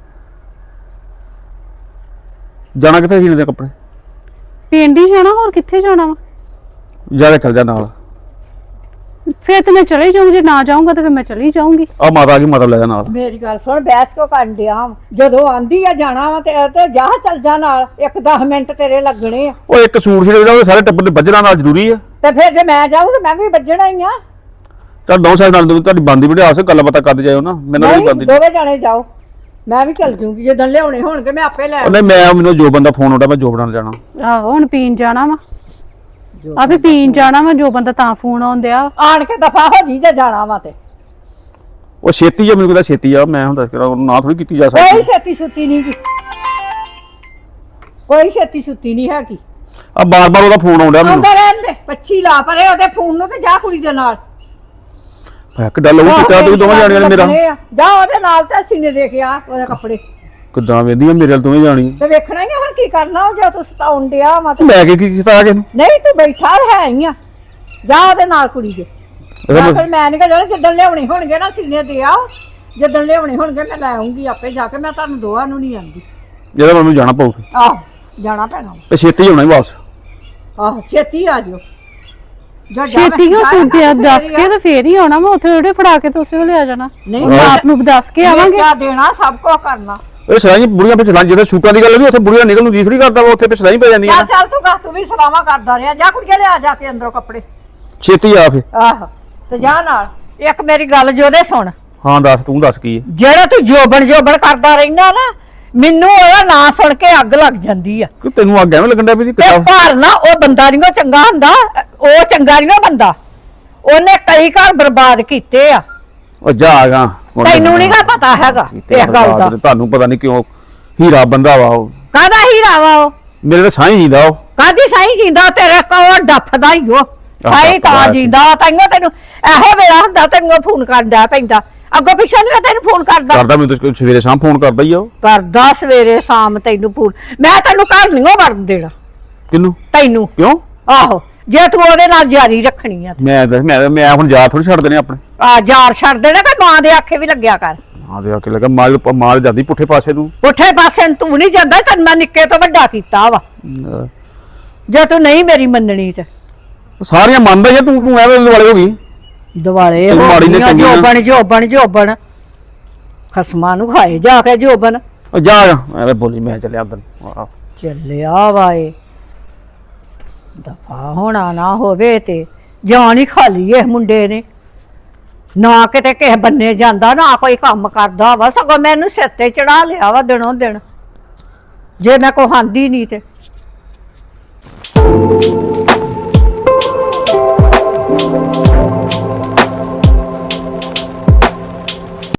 ਜਾਣਾ ਕਿੱਥੇ ਸੀ ਦੇ ਕੱਪੜੇ?
ਪਿੰਡ ਹੀ ਜਾਣਾ, ਹੋਰ ਕਿੱਥੇ ਜਾਣਾ ਵਾ?
ਜਾ ਕੇ ਚੱਲ ਜਾ ਨਾਲ।
ਫਿਰ ਤੇ ਮੈਂ ਚਲੇ ਜਾਊਂ, ਜੇ ਨਾ ਜਾਊਂਗਾ ਤਾਂ ਫਿਰ ਮੈਂ ਚਲੀ ਜਾਊਂਗੀ।
ਆ ਮਾਤਾ ਆ ਗਈ, ਮਾਤਾ ਲੈ ਜਾ ਨਾਲ।
ਮੇਰੀ ਗੱਲ ਸੁਣ, ਬਹਿਸ ਕੋ ਕਰਨ ਡਿਆ ਵਾਂ? ਜਦੋਂ ਆਂਦੀ ਆ ਜਾਣਾ ਵਾ ਤੇ ਤੇ ਜਾ ਚੱਲ ਜਾ ਨਾਲ, ਇੱਕ ਦਸ ਮਿੰਟ ਤੇਰੇ ਲੱਗਣੇ ਆ।
ਉਹ ਇੱਕ ਸੂਟ ਸੀ ਜਿਹੜਾ ਸਾਰੇ ਟੱਬਰ ਦੇ ਵੱਜਣਾ ਨਾਲ ਜ਼ਰੂਰੀ ਆ।
ਤੇ ਫਿਰ ਜੇ ਮੈਂ ਜਾਊਂ ਤੇ ਮੈਂ ਵੀ ਵੱਜਣਾ ਹੀ ਆ।
ਚੱਲ ਦੋ ਸਾਲ ਨਾਲ ਤੁਹਾਡੀ ਬੰਦੀ ਬਿਠਾ ਸੇ ਗੱਲਾਂ ਬਾਤਾਂ ਕਰਦੇ ਜਾਇਓ ਨਾ, ਮੈਨੂੰ ਨਹੀਂ
ਨਹੀਂ,
ਬੰਦੀ।
ਦੋਵੇਂ ਜਾਣੇ ਜਾਓ, ਮੈਂ ਵੀ ਚੱਲ ਜੂੰਗੀ। ਜਦੋਂ ਲਿਆਉਣੇ ਹੋਣਗੇ ਮੈਂ ਆਪੇ ਲੈ
ਉਹਨੇ ਮੈਂ ਮੈਨੂੰ ਜੋ ਬੰਦਾ ਫੋਨ ਆਉਂਦਾ ਮੈਂ ਜੋ ਬਣਾਉਣ ਜਾਣਾ।
ਆਹੋ ਹੁਣ ਪੀਣ ਜਾਣਾ ਵਾ, ਆ ਵੀ ਪੀਣ ਜਾਣਾ ਵਾ, ਜੋ ਬੰਦਾ ਤਾਂ ਫੋਨ ਆਉਂਦਿਆ।
ਆਣ ਕੇ ਦਫਾ ਹੋ ਜੀ ਜੇ ਜਾਣਾ ਵਾ ਤੇ।
ਉਹ ਛੇਤੀ ਆ, ਮੈਨੂੰ ਕਹਿੰਦਾ ਛੇਤੀ ਆ, ਮੈਂ ਹੁਣ ਦੱਸ ਕਰਾਂ ਨਾ ਥੋੜੀ ਕੀਤੀ ਜਾ
ਕੋਈ
ਸਕਦੀ।
ਛੇਤੀ ਸੁੱਤੀ ਨਹੀਂ ਗੀ, ਕੋਈ ਛੇਤੀ ਸੁੱਤੀ ਨਹੀਂ ਹੈਗੀ।
ਆ ਬਾਰ-ਬਾਰ ਉਹਦਾ ਫੋਨ ਆਉਂਦਾ ਮੈਨੂੰ।
ਆਉਂਦਾ ਰਹਿਣ ਦੇ, ਪੱਛੀ ਲਾ ਪਰੇ ਉਹਦੇ ਫੋਨ ਨੂੰ ਤੇ ਜਾ ਕੁੜੀ ਦੇ ਨਾਲ।
ਕਿੱਦਾਂ ਲਊ ਕੀਤਾ ਤੂੰ ਦੋਵੇਂ ਜਾਣੀਆਂ ਨੇ ਮੇਰਾ।
ਜਾ ਉਹਦੇ ਨਾਲ ਤੇ ਸੀਨੇ ਦੇ ਕੇ ਆ ਉਹਦੇ ਕੱਪੜੇ।
ਕਿੱਦਾਂ ਵੇਂਦੀਆਂ ਮੇਰੇ ਨਾਲ ਦੋਵੇਂ ਜਾਣੀ।
ਤੇ ਵੇਖਣਾ ਹੀ ਆ ਹੁਣ ਕੀ ਕਰਨਾ, ਉਹ ਜੇ ਤੂੰ ਸਤਾਉਣ ਡਿਆ ਵਾ ਤੇ।
ਲੈ ਕੇ ਕੀ ਕੀਤਾ ਆ ਕੇ ਨੂੰ?
ਨਹੀਂ ਤੂੰ ਬੈਠਾ ਹੈ ਹੀ ਆ, ਜਾ ਉਹਦੇ ਨਾਲ ਕੁੜੀ ਦੇ। ਜਾਂ ਫਿਰ ਮੈਂ ਨਹੀਂ ਕਹਾਂ ਜਿੱਦਣ ਲਿਆਉਣੇ ਹੋਣਗੇ ਨਾ ਸੀਨੇ ਦੇ ਆਓ, ਜਿੱਦਣ ਲਿਆਉਣੇ ਹੋਣਗੇ ਮੈਂ ਲੈ ਆਉਂਗੀ ਆਪੇ ਜਾ ਕੇ। ਮੈਂ ਤੁਹਾਨੂੰ ਦੋਵਾਂ ਨੂੰ ਨਹੀਂ ਆਂਦੀ।
ਜਿਹਦਾ ਮੈਨੂੰ ਜਾਣਾ ਪਊ
ਆਹ ਜਾਣਾ ਪੈਣਾ
ਤੇ ਛੇਤੀ ਆਉਣਾ ਹੀ ਵਾਪਸ।
ਆਹ ਛੇਤੀ ਆ ਜਿਓ। ਜਾ ਜਾ
ਛੇਤੀ ਕਿਉਂ ਸੁਣਦੇ ਦੱਸ ਕੇ ਤੇ ਫੇਰ ਹੀ ਆਉਣਾ ਵਾ, ਉੱਥੇ ਉਹਦੇ ਫੜਾ ਕੇ ਤੇ ਉਸੇ ਵੇਲੇ ਆ ਜਾਣਾ।
ਨਹੀਂ
ਆਪ ਨੂੰ ਦੱਸ ਕੇ ਆਵਾਂਗੇ।
ਚਾ ਦੇਣਾ, ਸਭ ਕੁਝ ਕਰਨਾ।
ਇਹ ਸਲਾਈ ਬੁੜੀਆਂ ਪਿੱਛੇ ਲਾਂ, ਜਿੱਥੇ ਸ਼ੂਟਾਂ ਦੀ ਗੱਲ ਵੀ ਉੱਥੇ ਬੁੜੀਆਂ ਨਿਕਲ ਨੂੰ ਜੀਸਰੀ ਕਰਦਾ ਵਾ, ਉੱਥੇ ਪਿੱਛੇ ਸਲਾਈ ਪੈ ਜਾਂਦੀਆਂ।
ਚੱਲ ਚੱਲ ਤੂੰ ਕਹ, ਤੂੰ ਵੀ ਸਲਾਵਾ ਕਰਦਾ ਰਿਹਾ। ਜਾ ਕੁੜੀਆਂ ਲਿਆ ਜਾ ਕੇ ਅੰਦਰੋਂ ਕੱਪੜੇ।
ਛੇਤੀ ਆ ਫੇ।
ਆਹ ਤੇ ਜਾ ਨਾਲ। ਇੱਕ ਮੇਰੀ ਗੱਲ ਜੋਦੇ ਸੁਣ,
ਹਾਂ ਦੱਸ, ਤੂੰ ਦੱਸ ਕੀ ਹੈ?
ਜਿਹੜਾ ਤੂੰ ਜੋਬਣ ਜੋਬਣ ਕਰਦਾ ਰਹਿਣਾ ਨਾ,
ਮੈਨੂੰ ਉਹਦਾ ਨਾਂ ਸੁਣ ਕੇ ਅੱਗ ਲੱਗ ਜਾਂਦੀ ਆ
ਕਿ ਤੈਨੂੰ ਅੱਗ ਐਵੇਂ ਲੱਗਣ ਡਿਆ ਵੀ ਜੀ
ਤੇ
ਕਿਤਾਬ
ਪਰ ਨਾ ਉਹ ਬੰਦਾ ਨਹੀਂ ਉਹ ਚੰਗਾ ਹੁੰਦਾ, ਉਹ ਚੰਗਾ ਨਹੀਂ ਉਹ ਬੰਦਾ, ਉਹਨੇ ਕਈ ਘਰ ਬਰਬਾਦ ਕੀਤੇ ਆ।
ਉਹ ਜਾਗਾ
ਤੈਨੂੰ ਨਹੀਂ ਗਾ ਪਤਾ ਹੈਗਾ ਇਸ ਗੱਲ ਦਾ।
ਤੁਹਾਨੂੰ ਪਤਾ ਨਹੀਂ ਕਿਉਂ ਹੀਰਾ ਬੰਦਾ ਵਾ ਉਹ,
ਕਾਹਦਾ ਹੀਰਾ ਵਾ ਉਹ,
ਮੇਰੇ ਤਾਂ ਸਾਈਂ ਜੀਂਦਾ ਉਹ।
ਕਾਹਦੀ ਸਾਈ ਜਿੰਦਾ, ਤੇਰੇ ਕੋਲ ਡੱਫਦਾ ਹੀ ਉਹ ਸਾਈ ਤਾਂ ਜਿੰਦਾ। ਤੈਨੂੰ ਤੈਨੂੰ ਇਹੋ ਵੇਲਾ ਹੁੰਦਾ ਤੈਨੂੰ ਫੋਨ ਕਰਦਾ ਪੈਂਦਾ, ਅੱਗੋਂ ਪਿੱਛੇ ਨਹੀਂ ਤੈਨੂੰ ਫੋਨ ਕਰਦਾ।
ਕਰਦਾ ਮੈਨੂੰ ਤਾਂ ਸਵੇਰੇ ਸ਼ਾਮ ਫੋਨ ਕਰਦਾ ਹੀ ਆ ਉਹ।
ਕਰਦਾ ਸਵੇਰੇ ਸ਼ਾਮ ਤੈਨੂੰ ਫੋਨ। ਮੈਂ ਤੈਨੂੰ ਘਰ ਨਹੀਂ ਵੜਨ ਦੇਣਾ।
ਕਿਹਨੂੰ?
ਤੈਨੂੰ।
ਕਿਉਂ?
ਆਹੋ, ਜੇ ਤੂੰ ਉਹਦੇ ਨਾਲ ਜਾਰੀ ਰੱਖਣੀ ਆ।
ਮੈਂ ਤਾਂ- ਮੈਂ ਮੈਂ ਹੁਣ ਯਾਰ ਥੋੜੀ ਛੱਡ ਦੇਣੇ ਆਪਣੇ।
ਆ ਯਾਰ ਛੱਡ ਦੇਣਾ ਕਿ ਮਾਂ ਦੇ ਆਖੇ ਵੀ ਲੱਗਿਆ ਕਰ।
ਹਾਂ ਦੇ ਆ ਕੇ ਲੱਗਾ ਮਾਲ ਮਾਲ ਜਾਂਦੀ ਪੁੱਠੇ ਪਾਸੇ ਨੂੰ।
ਪੁੱਠੇ ਪਾਸੇ ਨੂੰ ਤੂੰ ਨਹੀਂ ਜਾਂਦਾ, ਤੈਨੂੰ ਮੈਂ ਨਿੱਕੇ ਤੋਂ ਵੱਡਾ ਕੀਤਾ ਵਾ।
ਅਹ
ਜੇ ਤੂੰ ਨਹੀਂ ਮੇਰੀ ਮੰਨਣੀ ਤੇ
ਸਾਰੀਆਂ ਮੰਨਦਾ ਹੀ ਆ, ਤੂੰ ਤੂੰ ਐਵੇਂ ਦੁਆਲੇ ਹੋ ਗਈ।
ਦਿਵਾਲੇ
ਤੈਨੂੰ ਮਾੜੀ ਨੇ
ਹੋ
ਚੰਗੀਆਂ।
ਜੋਬਣ ਜੋਬਣ ਜੋਬਣ ਖਸਮਾਂ ਨੂੰ ਖਾਏ ਜਾ ਕੇ ਜੋਬਣ।
ਉਹ ਜਾ ਐਵੇਂ ਬੋਲੀ, ਮੈਂ ਚੱਲਿਆ ਅੰਦਰ। ਆਹ
ਚੱਲਿਆ ਵਾਏ ਦਫਾ ਹੋਣਾ ਨਾ ਹੋਵੇ ਤੇ ਜਾਨ ਹੀ ਖਾਲੀ ਇਹ ਮੁੰਡੇ ਨੇ। ਨਾ ਕਿਤੇ ਕਿਸੇ ਬੰਨੇ ਜਾਂਦਾ, ਨਾ ਕੋਈ ਕੰਮ ਕਰਦਾ ਵਾ, ਸਗੋਂ ਮੈਨੂੰ ਸਿਰ ਤੇ ਚੜਾ ਲਿਆ ਵਾ ਦਿਨੋਂ ਦਿਨ, ਜੇ ਮੈਂ ਕੋ ਹਾਂਦੀ ਨਹੀਂ ਤੇ।